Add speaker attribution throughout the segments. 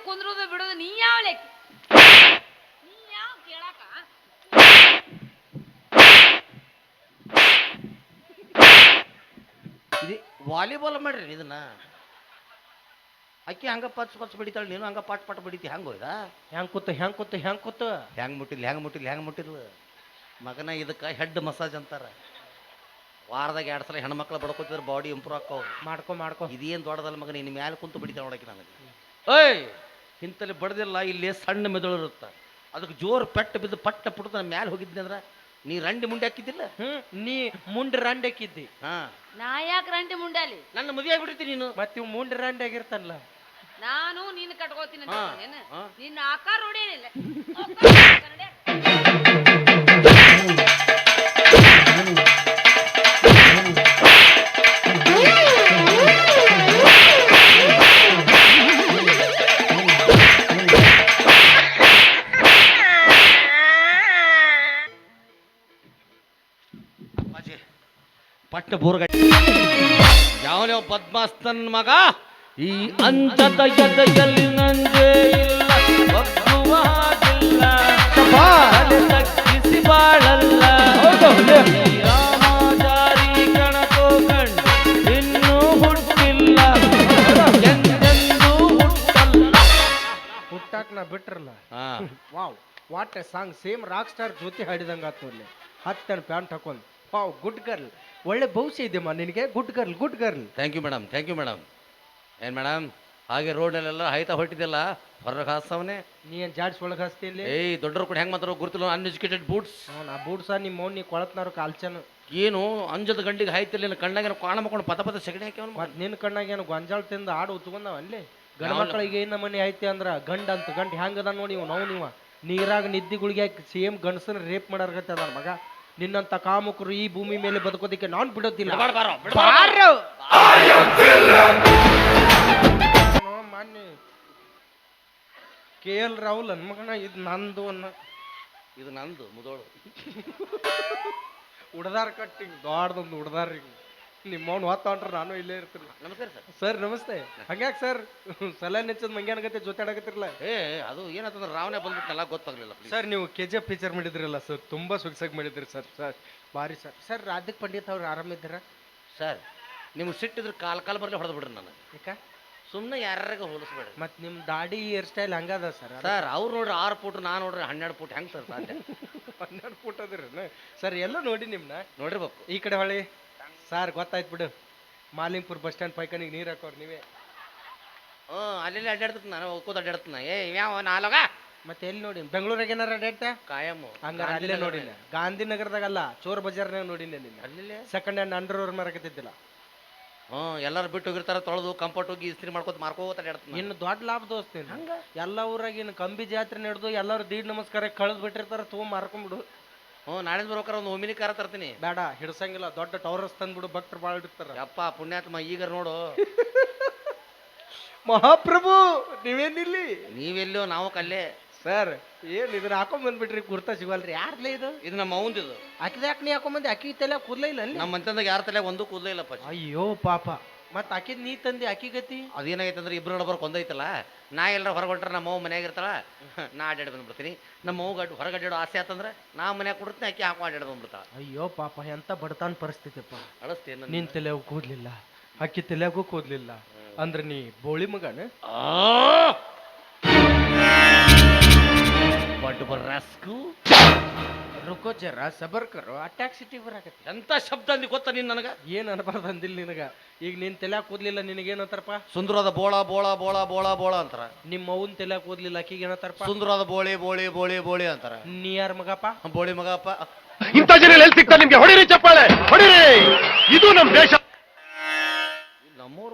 Speaker 1: ಕುಂದ್ರೋದು ಬಿಡೋದು ನೀ ಯಾವ ಲೆಕ್ಕ ನೀ ಯಾವ ಕೇಳಾಕ
Speaker 2: ಇದು ವಾಲಿಬಾಲ್ ಮಾಡ್ರಿ ಇದನ್ನ ಅಕ್ಕಿ ಹಂಗ ಪಚ್ ಪಚ್ ಬಡಿತಾಳೆ ನೀನು ಹಂಗ ಪಾಟ್ ಪಾಟ್ ಬಡಿತಿ ಹೆಂಗ್ ಹೋಯ್ದ
Speaker 3: ಹೆಂಗ್ ಕೂತ
Speaker 2: ಹೆಂಗ್ ಮುಟ್ಟಿಲ್ಲ ಮಗನ ಇದಕ್ಕೆ ಹೆಡ್ ಮಸಾಜ್ ಅಂತಾರ ವಾರದಾಗ 2 ಸಲ ಹೆಣ್ಮಕ್ಳು ಬಡ್ಕೋತಿದ್ರೆ ಬಾಡಿ ಇಂಪ್ರೂವ್ ಆಕ್ಕವು
Speaker 3: ಮಾಡ್ಕೊ
Speaker 2: ಇದೇನು ದೊಡ್ಡದಲ್ಲ ಮಗನ ಇನ್ನು ಮ್ಯಾಲೆ ಕುಂತು ಬಡಿತಾಳೆ ನೋಡಕ್ಕೆ ನನಗೆ ಏಯ್ ಇಂತಲ್ಲಿ ಬಡ್ದಿಲ್ಲ ಇಲ್ಲಿ ಸಣ್ಣ ಮೆದುಳು ಇರುತ್ತೆ ಅದಕ್ಕೆ ಜೋರು ಪೆಟ್ಟು ಬಿದ್ದು ಪಟ್ಟ ಪುಟ್ಟ ಮ್ಯಾಲೆ ಹೋಗಿದ್ನಿ ಅಂದ್ರೆ ನೀ ರಂಡಿ ಮುಂಡೆ ಹಾಕಿದ್ದಿಲ್ಲ
Speaker 3: ನೀ ಮುಂಡ್ ರಂಡ್ ಹಾಕಿದ್ದಿ
Speaker 2: ಹಾ
Speaker 1: ನಾ ಯಾಕೆ ರಂಟಿ ಮುಂಡಾಲಿ
Speaker 2: ನನ್ನ ಮದುವೆ ಆಗ್ಬಿಟ್ಟಿರ್ತೀನಿ ನೀನು
Speaker 3: ಮತ್ತೆ ಇವ್ ಮುಂಡ್ ರಂಡ್ ಆಗಿರ್ತಾನಲ್ಲ
Speaker 1: ನಾನು ನೀನು ಕಟ್ಕೋತೀನಿ ಅಂತ ಏನು ನಿನ್ನ ಆಕಾರ ಹೊಡಿಯಲಿಲ್ಲ
Speaker 2: ಪಟ್ಟ ಬೋರ್ಗ ಯಾವನ್ಯಾವ ಪದ್ಮಾಸ್ತನ್ ಮಗ ಈ ಅಂಚದ ಎದೆಯಲ್ಲಿ ನಂದೇ ಇಲ್ಲ ಒಪ್ಪುವ ಹಾಗಿಲ್ಲ ತಗ್ಗಿಸಿ ಬಾಳಲ್ಲ ರಾಮಾಚಾರಿ ಕಣಕೋ ಕಂಡು ಇನ್ನೂ ಹುಟ್ಟಿಲ್ಲ ಎಂದೆಂದೂ ಹುಟ್ಟಲ್ಲ
Speaker 3: ಹುಟ್ಟಾಕ್ ನಾ ಬಿಟ್ರಲ್ಲ wow what a song same rock star ಜೊತೆ ಹಾಡಿದಂಗ ಆತು ಅಲ್ಲಿ 10 ಪ್ಯಾಂಟ್ ಹಾಕೊಂಡ್ ವಾವ್ ಗುಡ್ ಗರ್ಲ್ ಒಳ್ಳೆ ಭವಿಷ್ಯ ಇದೆಯಮ್ಮ ನಿನಗೆ good girl
Speaker 2: thank you madam ಏನು ಮೇಡಮ್ ಹಾಗೆ ರೋಡಲ್ಲೆಲ್ಲ ಹಾಯ್ತಾ ಹೊಟ್ಟಿದ್ದೆಲ್ಲ ಹೊರಗೆ ಹಾಸವನೇ
Speaker 3: ನೀ ಏನ್ ಜಾಡ್ಸ್ ಒಳಗೆ ಹಸ್ತಿಲ್ಲ
Speaker 2: ಏಯ್ ದೊಡ್ಡರು ಕೂಡ ಹೆಂಗೆ ಮಾತಾಡೋ ಗುರುತಿಲ್ಲ ಅನ್ಎಜುಕೇಟೆಡ್ ಬೂಟ್ಸ್
Speaker 3: ನಾ ಬೂಟ್ಸ ನಿಮ್ಮ ಮೌನ್ ನೀ ಕೊಳತ್ನಾರು ಕಾಲ್ಚನು
Speaker 2: ಏನು ಅಂಜದ ಗಂಡಿಗೆ ಹಾಯ್ತಿಲ್ಲ ಕಣ್ಣಾಗ ಕಾಣ ಮಾಡ್ಕೊಂಡು ಪದ ಸೆಗಣಿ ಹಾಕಿ
Speaker 3: ಮತ್ ನಿನ್ ಕಣ್ಣಾಗ ಏನು ಗೊಂಜಾಳ ತಿಂದು ಆಡು ಉತ್ಕೊಂಡವ ಅಲ್ಲಿ ಗಂಡ ಮಕ್ಕಳಿಗೆ ಏನ ಮನೆ ಐತಿ ಅಂದ್ರ ಗಂಡ ಅಂತ ಗಂಡ ಹೆಂಗದ ನೋಡಿ ನೀವು ನೀರಾಗ ನಿದ್ದಿ ಗುಳಿಗೆ ಹಾಕಿ ಸೇಮ್ ಗಂಡಸನ ರೇಪ್ ಮಾಡಾರ್ಗತ್ತೆ ಅದ ಮಗ ನಿನ್ನಂತ ಕಾಮುಕರು ಈ ಭೂಮಿ ಮೇಲೆ ಬದುಕೋದಿಕ್ಕೆ ನಾನ್ ಬಿಡೋದಿಲ್ಲ ಮಾನ್ಯ KL ರಾಹುಲ್ ಮಗನ ಇದು ನಂದು
Speaker 2: ಇದು ನಂದು ಮುದೋಳು
Speaker 3: ಉಡದಾರ ಕಟ್ಟಿಂಗ್ ದೊಡ್ಡದೊಂದು ಉಡದಾರ ನಿಮ್ಮವ್ನು ಹೊತ್ತೊಂಡ್ರ ನಾನು ಇಲ್ಲೇ ಇರ್ತೀನಿ
Speaker 2: ನಮಸ್ಕಾರ
Speaker 3: ಸರ್ ನಮಸ್ತೆ ಹಂಗ್ಯಾಕೆ ಸರ್ ಸಲ ನೆಚ್ಚದ್ ಮಂಗ್ಯಾನಗತ್ತೆ ಜೊತೆ ಆಡಕತ್ತಿರಲ್ಲ
Speaker 2: ಅದು ಏನಂತಂದ್ರೆ ರಾವಣೆ ಬಂದ್ಬಿಟ್ನಲ್ಲ ಗೊತ್ತಾಗ್ಲಿಲ್ಲ
Speaker 3: ಸರ್ ನೀವು KGF ಪಿಕ್ಚರ್ ಮಾಡಿದ್ರಲ್ಲ ಸರ್ ತುಂಬಾ ಸೊಗಸಾಗಿ ಮಾಡಿದ್ರಿ ಸರ್ ಭಾರಿ ಸರ್ ರಾಧಿಕ್ ಪಂಡಿತ್ ಅವ್ರು ಆರಾಮಿದ್ದೀರಾ
Speaker 2: ಸರ್ ನಿಮ್ಗೆ ಸಿಟ್ಟಿದ್ರೆ ಕಾಲ್ ಬರಲಿ ಹೊಡೆದು ಬಿಡ್ರಿ ನಾನು
Speaker 3: ಯಾಕ
Speaker 2: ಸುಮ್ಮನೆ ಯಾರ್ಯಾಗ ಹೋಲಿಸ್ಬೇಡ್ರಿ
Speaker 3: ಮತ್ತು ನಿಮ್ಮ ದಾಡಿ ಹೇರ್ ಸ್ಟೈಲ್ ಹಂಗದ
Speaker 2: ಸರ್ ಅವ್ರು ನೋಡ್ರಿ 6 ಫೂಟ್ ನಾನು ನೋಡ್ರಿ 12 ಫೂಟ್ ಹೆಂಗೆ ಸರ್ ಸಾಧ್ಯ
Speaker 3: 12 ಫೂಟ್ ಅದ್ರಿ ಸರ್ ಎಲ್ಲ ನೋಡಿ ನಿಮ್ನ
Speaker 2: ನೋಡಿರ್ಬೇಕು
Speaker 3: ಈ ಕಡೆ ಹೊಳಿ ಸರ್ ಗೊತ್ತಾಯ್ತು ಬಿಡು ಮಾಲಿಂಗ್ಪುರ್ ಬಸ್ ಸ್ಟ್ಯಾಂಡ್ ಪೈಕನಿಗೆ ನೀರು ಹಾಕೋರು ನೀವೇ
Speaker 2: ಅಲ್ಲೆಲ್ಲ ಅಡ್ಡಾಡ್ತೀನಿ ನಾನು ಹೋಗ್ಕೋದು ಅಡ್ಡಾಡ್ತೀನಿ ಯಾವ ನಾಲೋಗ
Speaker 3: ಮತ್ತೆ ಎಲ್ಲಿ ನೋಡಿ ಬೆಂಗಳೂರಾಗ ಏನಾರ ಅಡ್ಡಾಡ್ತಾ
Speaker 2: ಕಾಯಮ್ಮು
Speaker 3: ಹಂಗಾರೆ ಅಲ್ಲೇ ನೋಡಿನ ಗಾಂಧಿನಗರದಾಗಲ್ಲ ಚೋರ್ ಬಜಾರ್ನಾಗ ನೋಡಿನ ನಿನ್ನ
Speaker 2: ಅಲ್ಲೇ
Speaker 3: ಸೆಕೆಂಡ್ ಹ್ಯಾಂಡ್ ಅಂಡರ್ವೇರ್ ಮಾರಕತ್ತಿದ್ದಿಲ್ಲ
Speaker 2: ಎಲ್ಲರೂ ಬಿಟ್ಟು ಹೋಗಿರ್ತಾರ ತೊಳೆದು ಕಂಫರ್ಟ್ ಹೋಗಿ ಇಸ್ತ್ರಿ ಮಾಡ್ಕೋತ ಮಾರ್ಕೋತ ಅಡ್ಡಾಡ್ತೀನಿ
Speaker 3: ಇನ್ನು ದೊಡ್ಡ ಲಾಭ ದೋಸ್ತೀನಿ ಹಂಗ ಎಲ್ಲ ಊರಾಗ ಇನ್ನು ಕಂಬಿ ಜಾತ್ರೆ ನಡೆದು ಎಲ್ಲರೂ ದೀಡ್ ನಮಸ್ಕಾರ ಕಳೆದು ಬಿಟ್ಟಿರ್ತಾರ ತೊಗೊಂಡ್ ಮಾರ್ಕೊಂಡ್ಬಿಡು
Speaker 2: ನಾಳೆ ಬರ್ಬೇಕಾರ ಒಂದು ಒಮಿನಿ ಕಾರ ತರ್ತೀನಿ
Speaker 3: ಬೇಡ ಹಿಡ್ಸಂಗಿಲ್ಲ ದೊಡ್ಡ ಟವರ್ಸ್ ತಂದ್ಬಿಡು ಭಕ್ತರು ಭಾಳ ಇಡ್ತಾರ
Speaker 2: ಅಪ್ಪ ಪುಣ್ಯಾತ್ಮ ಈಗ ನೋಡು
Speaker 3: ಮಹಾಪ್ರಭು ನೀವೇನಿಲ್ಲಿ
Speaker 2: ನೀವೆಲ್ಲೋ ನಾವು ಕಲ್ಲೇ
Speaker 3: ಸರ್ ಏನ್ ಇದನ್ನ ಹಾಕೊಂಡ್ ಬಂದ್ಬಿಟ್ರಿ ಕುರ್ತಾ ಸಿಗಲ್ರಿ ಯಾರ್ಲೇ ಇದು
Speaker 2: ನಮ್ಮ ಅವಂದಿದು
Speaker 3: ಅಕ್ಕಿದ ಯಾಕೆ ನೀ ಹಾಕೊಂಬಂದಿ ಅಕ್ಕಿ ತಲೆ ಕೂದ್ಲೇ ಇಲ್ಲ ಅಲ್ಲಿ
Speaker 2: ನಮ್ಮ ಮಂತಂದಾಗ ಯಾರ ತಲೆ ಒಂದು ಕೂದಲೇ ಇಲ್ಲಪ್ಪ
Speaker 3: ಅಯ್ಯೋ ಪಾಪ ಮತ್ ಅಕ್ಕಿದ್ ನೀ ತಂದಿ ಅಕ್ಕಿ ಗತಿ
Speaker 2: ಅದೇನಾಗೈತೆ ಅಂದ್ರೆ ಇಬ್ರು ನಡಬರ್ ಕೊಂದೈತಲ್ಲ ನಾ ಎಲ್ಲರ ಹೊರಗೊಂಡ್ರೆ ನಮ್ಮ ಅವ್ವ ಮನ್ಯಾಗ ಇರ್ತಾಳ ನಾ ಅಡ್ಡಾಡಿ ಬಂದ್ಬಿಡ್ತೀನಿ ನಮ್ಮ ಅವ್ಗ ಹೊರಗಡ್ಡಾಡೋ ಆಸೆ ಆತಂದ್ರೆ ನಾ ಮನ್ಯಾಗ ಕೊಡ್ತೀನಿ ಆಕಿ ಹಾಕೋ ಅಡ್ಡಾಡಿ ಬಂದ್ಬಿಡ್ತಾಳ
Speaker 3: ಅಯ್ಯೋ ಪಾಪ ಎಂತ ಬಡತಾನ್ ಪರಿಸ್ಥಿತಿಪ್ಪ
Speaker 2: ಅಳಸ್ತೇನೆ
Speaker 3: ನಿನ್ ತಲೆಗೂ ಕೂದ್ಲಿಲ್ಲ ಅಕ್ಕಿ ತಲೆಗೂ ಕೂದ್ಲಿಲ್ಲ ಅಂದ್ರೆ ನೀ ಬೋಳಿ ಮಗನ ರುಕೋ ಜರ ಸಬರ್ ಕರೋ ಅಟ್ಯಾಕ್ ಸಿಟಿ ಬರಾಕತ್ತಿ
Speaker 2: ಎಂತ ಶಬ್ದ ಅಂದಿ ಗೊತ್ತಾ ನೀನ್ ನನಗ
Speaker 3: ಏನ್ ಅನ್ಬಾರ್ದು ಅಂದಿಲ್ಲ ನಿನಗ ಈಗ ನಿನ್ ತಲೆ ಕೂದ್ಲಿಲ್ಲ ನಿನಗೇನಂತಾರಪ್ಪ
Speaker 2: ಸುಂದರವಾದ ಬೋಳ ಬೋಳ ಬೋಳ ಬೋಳ ಬೋಳ ಅಂತಾರ
Speaker 3: ನಿಮ್ಮ ಅವ್ವನ್ ತಲೆ ಕೂದ್ಲಿಲ್ಲ ಅಕ್ಕಿಗೆ ಏನಂತಾರಪ್ಪ
Speaker 2: ಸುಂದರವಾದ ಬೋಳಿ ಬೋಳಿ ಬೋಳಿ ಬೋಳಿ ಅಂತಾರ
Speaker 3: ನೀ ಯಾರ ಮಗಪ್ಪ
Speaker 2: ಬೋಳಿ ಮಗಪ್ಪ
Speaker 4: ಇಂಥ ಜನ ಎಲ್ಲಿ ಸಿಗ್ತಾರೆ ನಿಮ್ಗೆ ಹೊಡಿರಿ ಚಪ್ಪಾಳೆ ಹೊಡಿರಿ ಇದು ನಮ್ ದೇಶ
Speaker 2: ನಮ್ಮೂರು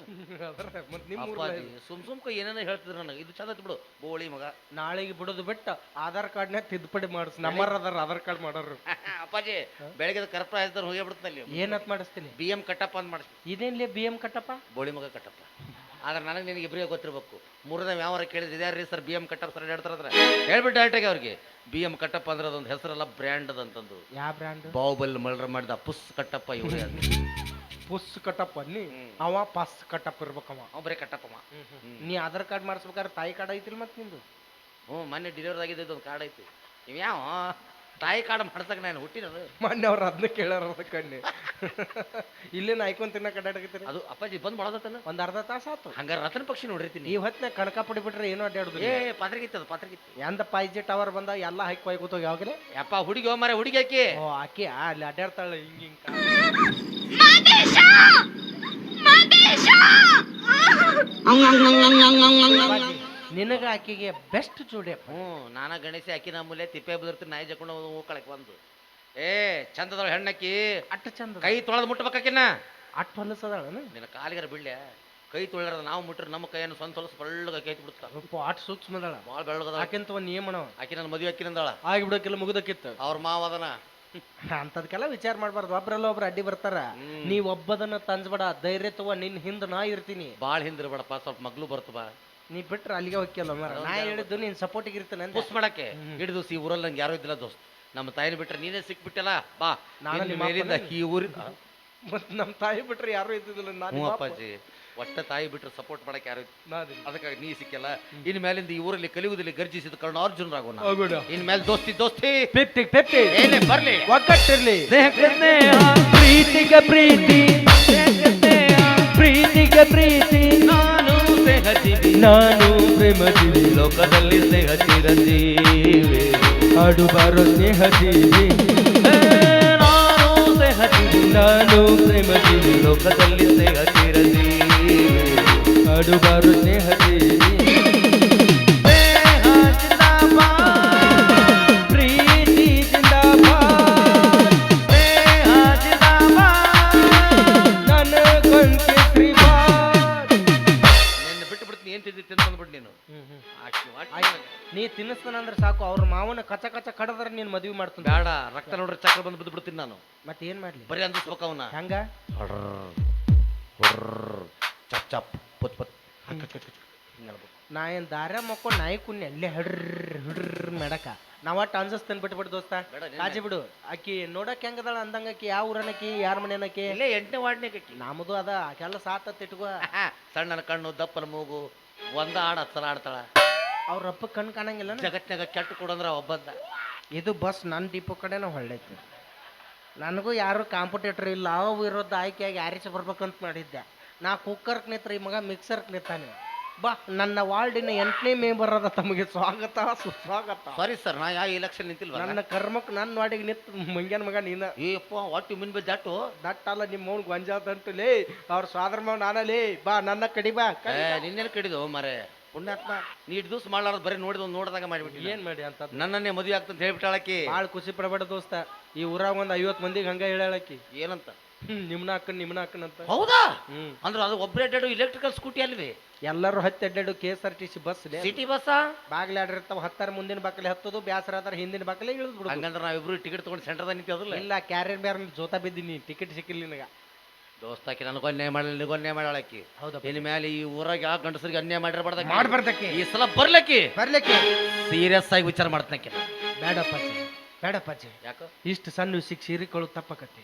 Speaker 2: ಸುಮ್ಕ ಏನೇನೋ ಹೇಳ್ತಿದ್ರು ನನಗೆ ಇದು ಚಂದ ಬಿಡು ಬೋಳಿ ಮಗ
Speaker 3: ನಾಳೆಗೆ ಬಿಡೋದು ಬಿಟ್ಟು ಆಧಾರ್ ಕಾರ್ಡ್ನ ತಿದ್ದುಪಡಿ ಮಾಡಿಸ್ ನಮ್ಮರ ಅದಾರ ಆಧಾರ್ ಕಾರ್ಡ್ ಮಾಡೋರು
Speaker 2: ಅಪ್ಪಾಜಿ ಬೆಳಗ್ಗೆ ಕರ್ಪ ಆಯ್ತಾರ ಹೋಗಿ ಬಿಡ್ತಾನಲ್ಲಿ
Speaker 3: ಏನತ್ ಮಾಡಿಸ್ತೀನಿ
Speaker 2: BM ಕಟ್ಟಪ್ಪ ಅಂತ ಮಾಡಿಸ್ತೀನಿ
Speaker 3: ಇದೇನ್ಲೇ BM ಕಟ್ಟಪ್ಪ
Speaker 2: ಬೋಳಿ ಮಗ ಕಟ್ಟಪ್ಪ ಆದ್ರೆ ನನಗೆ ನಿನಗೆ ಇಬ್ಬರಿಗೆ ಗೊತ್ತಿರ್ಬೇಕು ಮೂರನೇ ಯಾವಾರ ಕೇಳಿದ್ರೆ ಇದ್ಯಾರ್ರಿ ಸರ್ BM ಕಟ್ಟಪ್ಪ ಸರ್ ಹೇಳ್ತಾರ ಹೇಳ್ಬಿಟ್ಟು ಡೈರೆಕ್ಟಾಗಿ ಅವ್ರಿಗೆ BM ಕಟ್ಟಪ್ಪ ಅಂದ್ರೆ ಅದೊಂದು ಹೆಸರಲ್ಲ ಬ್ರ್ಯಾಂಡ್ ಅದಂತಂದು
Speaker 3: ಯಾವ ಬ್ರ್ಯಾಂಡ್
Speaker 2: ಬಾಹುಬಲಿ ಮಲ್ರ ಮಾಡಿದ ಪುಸ್ ಕಟ್ಟಪ್ಪ ಇವ್ರೆ
Speaker 3: ಪುಸ್ ಕಟ್ಟಪ್ಪ ನೀ ಅವ ಪಸ್ ಕಟ್ಟಪ್ಪ ಇರ್ಬೇಕವ.
Speaker 2: ಒಬ್ಬರೇ ಕಟ್ಟಪ್ಪಮ್ಮ.
Speaker 3: ನೀ ಆಧಾರ್ ಕಾರ್ಡ್ ಮಾಡಿಸ್ಬೇಕಾದ್ರೆ ತಾಯಿ ಕಾರ್ಡ್ ಐತಿಲ್ ಮತ್ತೆ ನಿಂದು?
Speaker 2: ಹ್ಞೂ ಮೊನ್ನೆ ಡೆಲಿವರಿ ಆಗಿದ್ದು ಒಂದು ಕಾರ್ಡ್ ಐತಿ. ಇವ್ಯಾವ ತಾಯಿ ಕಾರ್ಡ್ ಮಾಡ್ಸಕ್ಕೆ ನಾನು ಹುಟ್ಟಿನದು.
Speaker 3: ಮೊನ್ನೆ ಅವ್ರು ಅದನ್ನ ಕೇಳ್ಯಾರ ಕಣ್ಣಿ. ಇಲ್ಲೇನು ಐಕೊಂಡ್ ತಿನ್ನ ಕಡ್ಡಾಡಕತ್ತೀರಿ?
Speaker 2: ಅದು ಅಪ್ಪಾಜಿ ಬಂದು ಮಾಡೋದತ್ತಲ್ಲ
Speaker 3: ಒಂದ್ ಅರ್ಧ ತಾಸು ಆತು.
Speaker 2: ಹಂಗಾರೆ ರತನ ಪಕ್ಷಿ ನೋಡಿರ್ತೀನಿ.
Speaker 3: ಈ ಹೊತ್ತಿನ ಕಣಕ ಪಡಿ ಬಿಟ್ರೆ ಏನೋ ಅಡ್ಡಾಡುದು.
Speaker 2: ಪಾತ್ರಗಿತ್ತು ಅದು ಪಾತ್ರಗಿತ್ತು.
Speaker 3: ಎಂದ 5G ಟವರ್ ಬಂದ ಎಲ್ಲ ಹೈಕ್ ಹೋಯ್ಕೋತ ಯಾವಾಗಲೇ
Speaker 2: ಯಪ್ಪ ಹುಡುಗಿ ಹೋಮಾರೆ ಹುಡುಗಿ ಹಾಕಿ.
Speaker 3: ಓ ಆಕಿ ಅಲ್ಲಿ ಅಡ್ಡಾಡ್ತಾಳೆ ಹಿಂಗ ಹಿಂಗ. ನಿನಗ ಆಕಿಗೆ ಬೆಸ್ಟ್ ಜೋಡಿ.
Speaker 2: ಹ್ಞೂ ನಾನಾ ಗಣೇಶ ಅಕ್ಕಿ ನಮ್ಮೂಲೆ ತಿಪ್ಪೆ ಬದಿರ್ತೀನಿ ನಾಯಿ ಜಕೊಂಡು ಹೋಗ್ಕೊಳಕ್ ಬಂದು. ಚಂದದಳ ಹೆಣ್ಣಕ್ಕಿ
Speaker 3: ಅಟ್ಟ ಚಂದ
Speaker 2: ಕೈ ತೊಳೆದು ಮುಟ್ಬೇಕಾಕಿನ್ನ.
Speaker 3: ಅಟ್ ಹೊಲಸದಾಳ
Speaker 2: ನಿನ್ನ ಕಾಲಿಗರ ಬಿಡ್ಲೆ ಕೈ ತೊಳೆದ ನಾವು ಮುಟ್ರೆ ನಮ್ಮ ಕೈಯನ್ನು ಸ್ವಂತ ಹೊಲಸು ಬಳ್ಳಗ ಕೈ ಬಿಡ್ತಾರ.
Speaker 3: ಅಟ್ ಸೂಕ್ಷ್ಮದಾಳ
Speaker 2: ಭಾಳ ಬೆಳ್ಳಗದ.
Speaker 3: ಆಕೆಂತ ಒಂದ್ ನಿಯಮನ
Speaker 2: ಆಕಿ ನನ್ನ ಮದುವೆ ಅಕ್ಕಿನಂದಾಳ
Speaker 3: ಆಗಿಬಿಡಕ್ಕೆಲ್ಲ ಮುಗಿದಕ್ಕಿತ್ತು.
Speaker 2: ಅವ್ರ ಮಾವದನ
Speaker 3: ಅಂತದ್ಕೆಲ್ಲ ವಿಚಾರ ಮಾಡ್ಬಾರ್ದು. ಒಬ್ರಲ್ಲ ಒಬ್ರು ಅಡ್ಡಿ ಬರ್ತಾರ. ನೀವ್ ಒಬ್ಬದನ್ನ ತಂಜ್ಬೇಡ, ಧೈರ್ಯ ತಗೋ, ನಿನ್ ಹಿಂದ ನಾ ಇರ್ತೀನಿ.
Speaker 2: ಭಾಳ ಹಿಂದಿರ್ಬೇಡಪ್ಪ, ಸ್ವಲ್ಪ ಮಗ್ಳು ಬರ್ತವ.
Speaker 3: ನೀ ಬಿಟ್ರೆ ಅಲ್ಲಿಗೆ ಹೋಗ್ಯಲ್ಲ ಮರ. ನಾ ಹೇಳಿದ್ದು ನೀನ್ ಸಪೋರ್ಟಿಗೆ ಇರ್ತಾನೆ
Speaker 2: ಪುಸ್ ಮಾಡಕ್ಕೆ ಹಿಡಿದು ಈ ಊರಲ್ಲಿ ನಂಗೆ ಯಾರು ಇದ್ದಿಲ್ಲ ದೋಸ್ತ್. ನಮ್ಮ ತಾಯಿನ ಬಿಟ್ರೆ ನೀನೇ ಸಿಕ್ಬಿಟ್ಟಲ್ಲ ಬಾ. ನಾನು ಮೇಲಿಂದ ಈ ಊರಿನ
Speaker 3: ಮತ್ ನಮ್ ತಾಯಿ ಬಿಟ್ರೆ ಯಾರು ಇದ್ದಿದ್ದಿಲ್ಲ.
Speaker 2: ಹ್ಞೂ ಅಪ್ಪಾಜಿ, ಒಟ್ಟ ತಾಯಿ ಬಿಟ್ರೆ ಸಪೋರ್ಟ್ ಮಾಡಕ್ಕೆ ಯಾರು ಅದಕ್ಕಾಗಿ ನೀ ಸಿಕ್ಕಲ್ಲ. ಇನ್ ಮೇಲಿಂದ ಈ ಊರಲ್ಲಿ ಕಲಿಯುವುದಲ್ಲಿ ಗರ್ಜಿಸಿದ ಕಾರಣ ಅರ್ಜುನರಾಗೋಣ. ಇನ್ ಮೇಲೆ ದೋಸ್ತಿ ದೋಸ್ತಿ ಏನೇ ಬರ್ಲಿ
Speaker 3: ಒಗ್ಗಟ್ಟಿರ್ಲಿ.
Speaker 2: ಪ್ರೀತಿಗೆ ಪ್ರೀತಿ ಪ್ರೀತಿಗೆ ಪ್ರೀತಿ. ನಾನು ಸ್ನೇಹಜೀವಿ, ನಾನು ಪ್ರೇಮಜೀವಿ, ಲೋಕದಲ್ಲಿ ಸ್ನೇಹ ಚಿರಂಜೀವಿ.
Speaker 3: ಆಡುಬಾರೋ ಸ್ನೇಹಜೀವಿ,
Speaker 2: ನಾನು ಸ್ನೇಹಜೀವಿ,
Speaker 3: ನಾನು ಪ್ರೇಮಜೀವಿ,
Speaker 2: ಲೋಕದಲ್ಲಿ ಸ್ನೇಹ ಚಿರಂಜೀವಿ.
Speaker 3: ಆಡುಬಾರೋ ಸ್ನೇಹಜೀವಿ.
Speaker 2: ಸ್ನೇಹ ಜಿಂದಾಬಾದ್,
Speaker 3: ಪ್ರೀತಿ ಜಿಂದಾಬಾದ್,
Speaker 2: ಸ್ನೇಹ ಜಿಂದಾಬಾದ್.
Speaker 3: ನನ್ನ ಕೊಂಚ ಶ್ರೀಬಾದ್.
Speaker 2: ನಿನ್ನ ಬಿಟ್ಟು ಬಿಡ್ತೀನಿ. ಏನ್ ತಿಂದಿ ತಿಂದು ಬಂದ್ಬಿಟ್ಟು ನೀನು.
Speaker 3: ನೀ ತಿನ್ನಿಸ್ತಾನಂದ್ರೆ ಸಾಕು. ಅವ್ರ ಮಾವನ ಕಚ ಕಚ ಕಡದ್ರ ನೀನ್ ಮದ್ವಿ ಮಾಡ್ತಾನ.
Speaker 2: ಬೇಡ, ರಕ್ತ ನೋಡ್ರೆ ಚಕ್ರ ಬಂದು ಬಿದ್ದು ಬಿಡ್ತೀನಿ ನಾನು.
Speaker 3: ಮತ್ತೆ ಏನ್ ಮಾಡ್ಲಿ?
Speaker 2: ಬರೀ ಅಂದಿಸ್ಬೇಕು ಅವನ್ನ.
Speaker 3: ಹಂಗ
Speaker 2: ಚಪ್ ಚಪ್ ಪುತ್ ಪುತ್.
Speaker 3: ನಾ ಏನ್ ದಾರ ಮಕ್ಕೊಂಡು ನಾಯಿ ಕುನ್ನಿ ಅಲ್ಲೇ ಹಿಡ್ರ ಹಿಡ್ರ ಮೇಡಕ. ನಾವ್ ಒಟ್ಟು ಅನ್ಸಸ್ತೇನೆ ಬಿಟ್ಬಿಡು ದೋಸ್ತ. ಕಾಜಿ ಬಿಡು. ಆಕಿ ನೋಡಕ್ ಹೆಂಗದಾಳ ಅಂದಂಗ ಆಕಿ ಯಾವ ಊರನಕಿ ಯಾರ ಮನೆನಕಿ?
Speaker 2: ಇಲ್ಲೇ 8ನೇ ವಾರ್ಡ್ನೇ ಕಟ್ಟಿ.
Speaker 3: ನಮ್ದು ಅದ ಕೆಲಸ ಆತತ್ ಇಟ್ಕೋ.
Speaker 2: ಸಣ್ಣನ ಕಣ್ಣು ದಪ್ಪನ ಮೂಗು, ಒಂದ ಆಡ ಹತ್ತರ ಆಡ್ತಾಳ.
Speaker 3: ಅವ್ರ ಅಪ್ಪ ಕಣ್ ಕಾಣಂಗಿಲ್ಲ.
Speaker 2: ಜಗತ್ನಾಗ ಕೆಟ್ಟ ಕೊಡಂದ್ರ ಒಬ್ಬಂದ.
Speaker 3: ಇದು ಬಸ್ ನನ್ನ ಡಿಪೋ ಕಡೆನ ಹೊಳ್ಳೈತಿ. ನನಗೂ ಯಾರು ಕಾಂಪಿಟೇಟರ್ ಇಲ್ಲ. ಅವು ವಿರೋಧ ಆಯ್ಕೆಯಾಗಿ ಆರಿಸಿ ಬರ್ಬೇಕಂತ ಮಾಡಿದ್ದೆ. ನಾ ಕುಕ್ಕರ್ಕ್ ನಿತ್ರ ಈ ಮಗ ಮಿಕ್ಸರ್ಕ್ ನಿಂತಾನೆ. ಬಾ, ನನ್ನ ವಾರ್ಡಿನ 8ನೇ ಮೆಂಬರ್ ಅದ. ತಮಗೆ ಸ್ವಾಗತ ಸುಸ್ವಾಗತ.
Speaker 2: ಸಾರಿ ಸರ್, ನಾ ಯಾವ ಎಲೆಕ್ಷನ್ ನಿಂತಿಲ್ವ.
Speaker 3: ನನ್ನ ಕರ್ಮಕ್ ನನ್ನ ವಾರ್ಡಿಗೆ ನಿಂತ ಮಂಗ್ಯಾನ ಮಗ ನೀನ.
Speaker 2: ಏಪ್ಪ what you mean by that?
Speaker 3: That ಅಲ್ಲ, ನಿಮ್ಮ ಮೌನ್ ಗೊಂಜಾತಂಟು ಲೇ. ಅವ್ರ ಸ್ವಾದ್ರ ಮಾವ್ ನಾನಲ್ಲಿ. ಬಾ, ನನ್ನ ಕಡಿ ಬಾ.
Speaker 2: ನಿನ್ನೇನು ಕಡಿದು ಮಾರೆ ಪುಣ್ಯಾತ್ಮ. ನೀ ಇಟ್ಟು ದಿವ್ಸ ಮಾಡ್ಲಾರ್ದು ಬರೀ ನೋಡಿದಾಗ ಮಾಡಿಬಿಟ್ಟು
Speaker 3: ಏನ್ ಮಾಡಿ ಅಂತ
Speaker 2: ನನ್ನನ್ನೇ ಮದುವೆ ಆಗ್ತಂತ ಹೇಳ್ಬಿಟ್ಟಾಳಕಿ.
Speaker 3: ಭಾಳ ಖುಷಿ ಪಡಬೇಡ ದೋಸ್ತ. ಈ ಊರಾಗ ಒಂದ್ 50 ಮಂದಿಗೆ ಹಂಗ ಹೇಳಾಕಿ.
Speaker 2: ಏನಂತ?
Speaker 3: ನಿಮ್ನ ಹಾಕನ್ ಅಂತ.
Speaker 2: ಹೌದಾ? ಅಂದ್ರೆ ಅದು ಒಬ್ಬರೇ ಅಡ್ಡಾಡು ಇಲೆಕ್ಟ್ರಿಕಲ್ ಸ್ಕೂಟಿ ಅಲ್ವೇ?
Speaker 3: ಎಲ್ಲರೂ ಹತ್ತಿ ಅಡ್ಡಾಡು KSRTC ಬಸ್.
Speaker 2: ಸಿಟಿ ಬಸ್
Speaker 3: ಬಾಗ್ಲಿ ಆಡಿರ್ತಾವ. 10 ಮುಂದಿನ ಬಾಕಲಿ ಹತ್ತದು, ಬ್ಯಾಸರ ಆದ್ರ ಹಿಂದಿನ ಬಾಕಲಿ ಇಳಿದ್ ಬಿಡುದು.
Speaker 2: ಹಂಗಂದ್ರೆ ನಾವಿಬ್ರು ಟಿಕೆಟ್ ತಗೊಂಡು ಸೆಂಟರ್ದಾಗ ನಿಂತಿರೋದಿಲ್ಲ.
Speaker 3: ಇಲ್ಲ, ಕ್ಯಾರಿಯರ್ ಬೇರೆ ಜೋತಾ ಬಿದ್ದೀನಿ, ಟಿಕೆಟ್ ಸಿಕ್ಕಿಲ್ಲ ನಿನಗ.
Speaker 2: ದೋಸ್ತಾಕಿ ನನಗೂ ಅನ್ಯಾಯ ಮಾಡಲಿ, ನಿನಗೂ ಅನ್ಯಾಯ ಮಾಡಾಳಕಿ.
Speaker 3: ಹೌದಾ?
Speaker 2: ಇನ್ ಮೇಲೆ ಈ ಊರಾಗ ಯಾವ ಗಂಡಸರಿಗೆ ಅನ್ಯಾಯ ಮಾಡಿರ್ಬಾರ್ದ.
Speaker 3: ಮಾಡ್ಬಾರ್ದಕ್ಕೆ
Speaker 2: ಈ ಸಲ ಬರ್ಲಕ್ಕಿ
Speaker 3: ಬರ್ಲಿಕ್ಕೆ
Speaker 2: ಸೀರಿಯಸ್ ಆಗಿ ವಿಚಾರ ಮಾಡ್ತನಕ್ಕೆ.
Speaker 3: ಬೇಡಪ್ಪಾಜಿ, ಬೇಡಪ್ಪಾಜಿ.
Speaker 2: ಯಾಕ
Speaker 3: ಇಷ್ಟು ಸಣ್ಣ ವಿಷಯಕ್ಕೆ ಸೀರಿಕೊಳ್ಳೋದು ತಪ್ಪಕತಿ.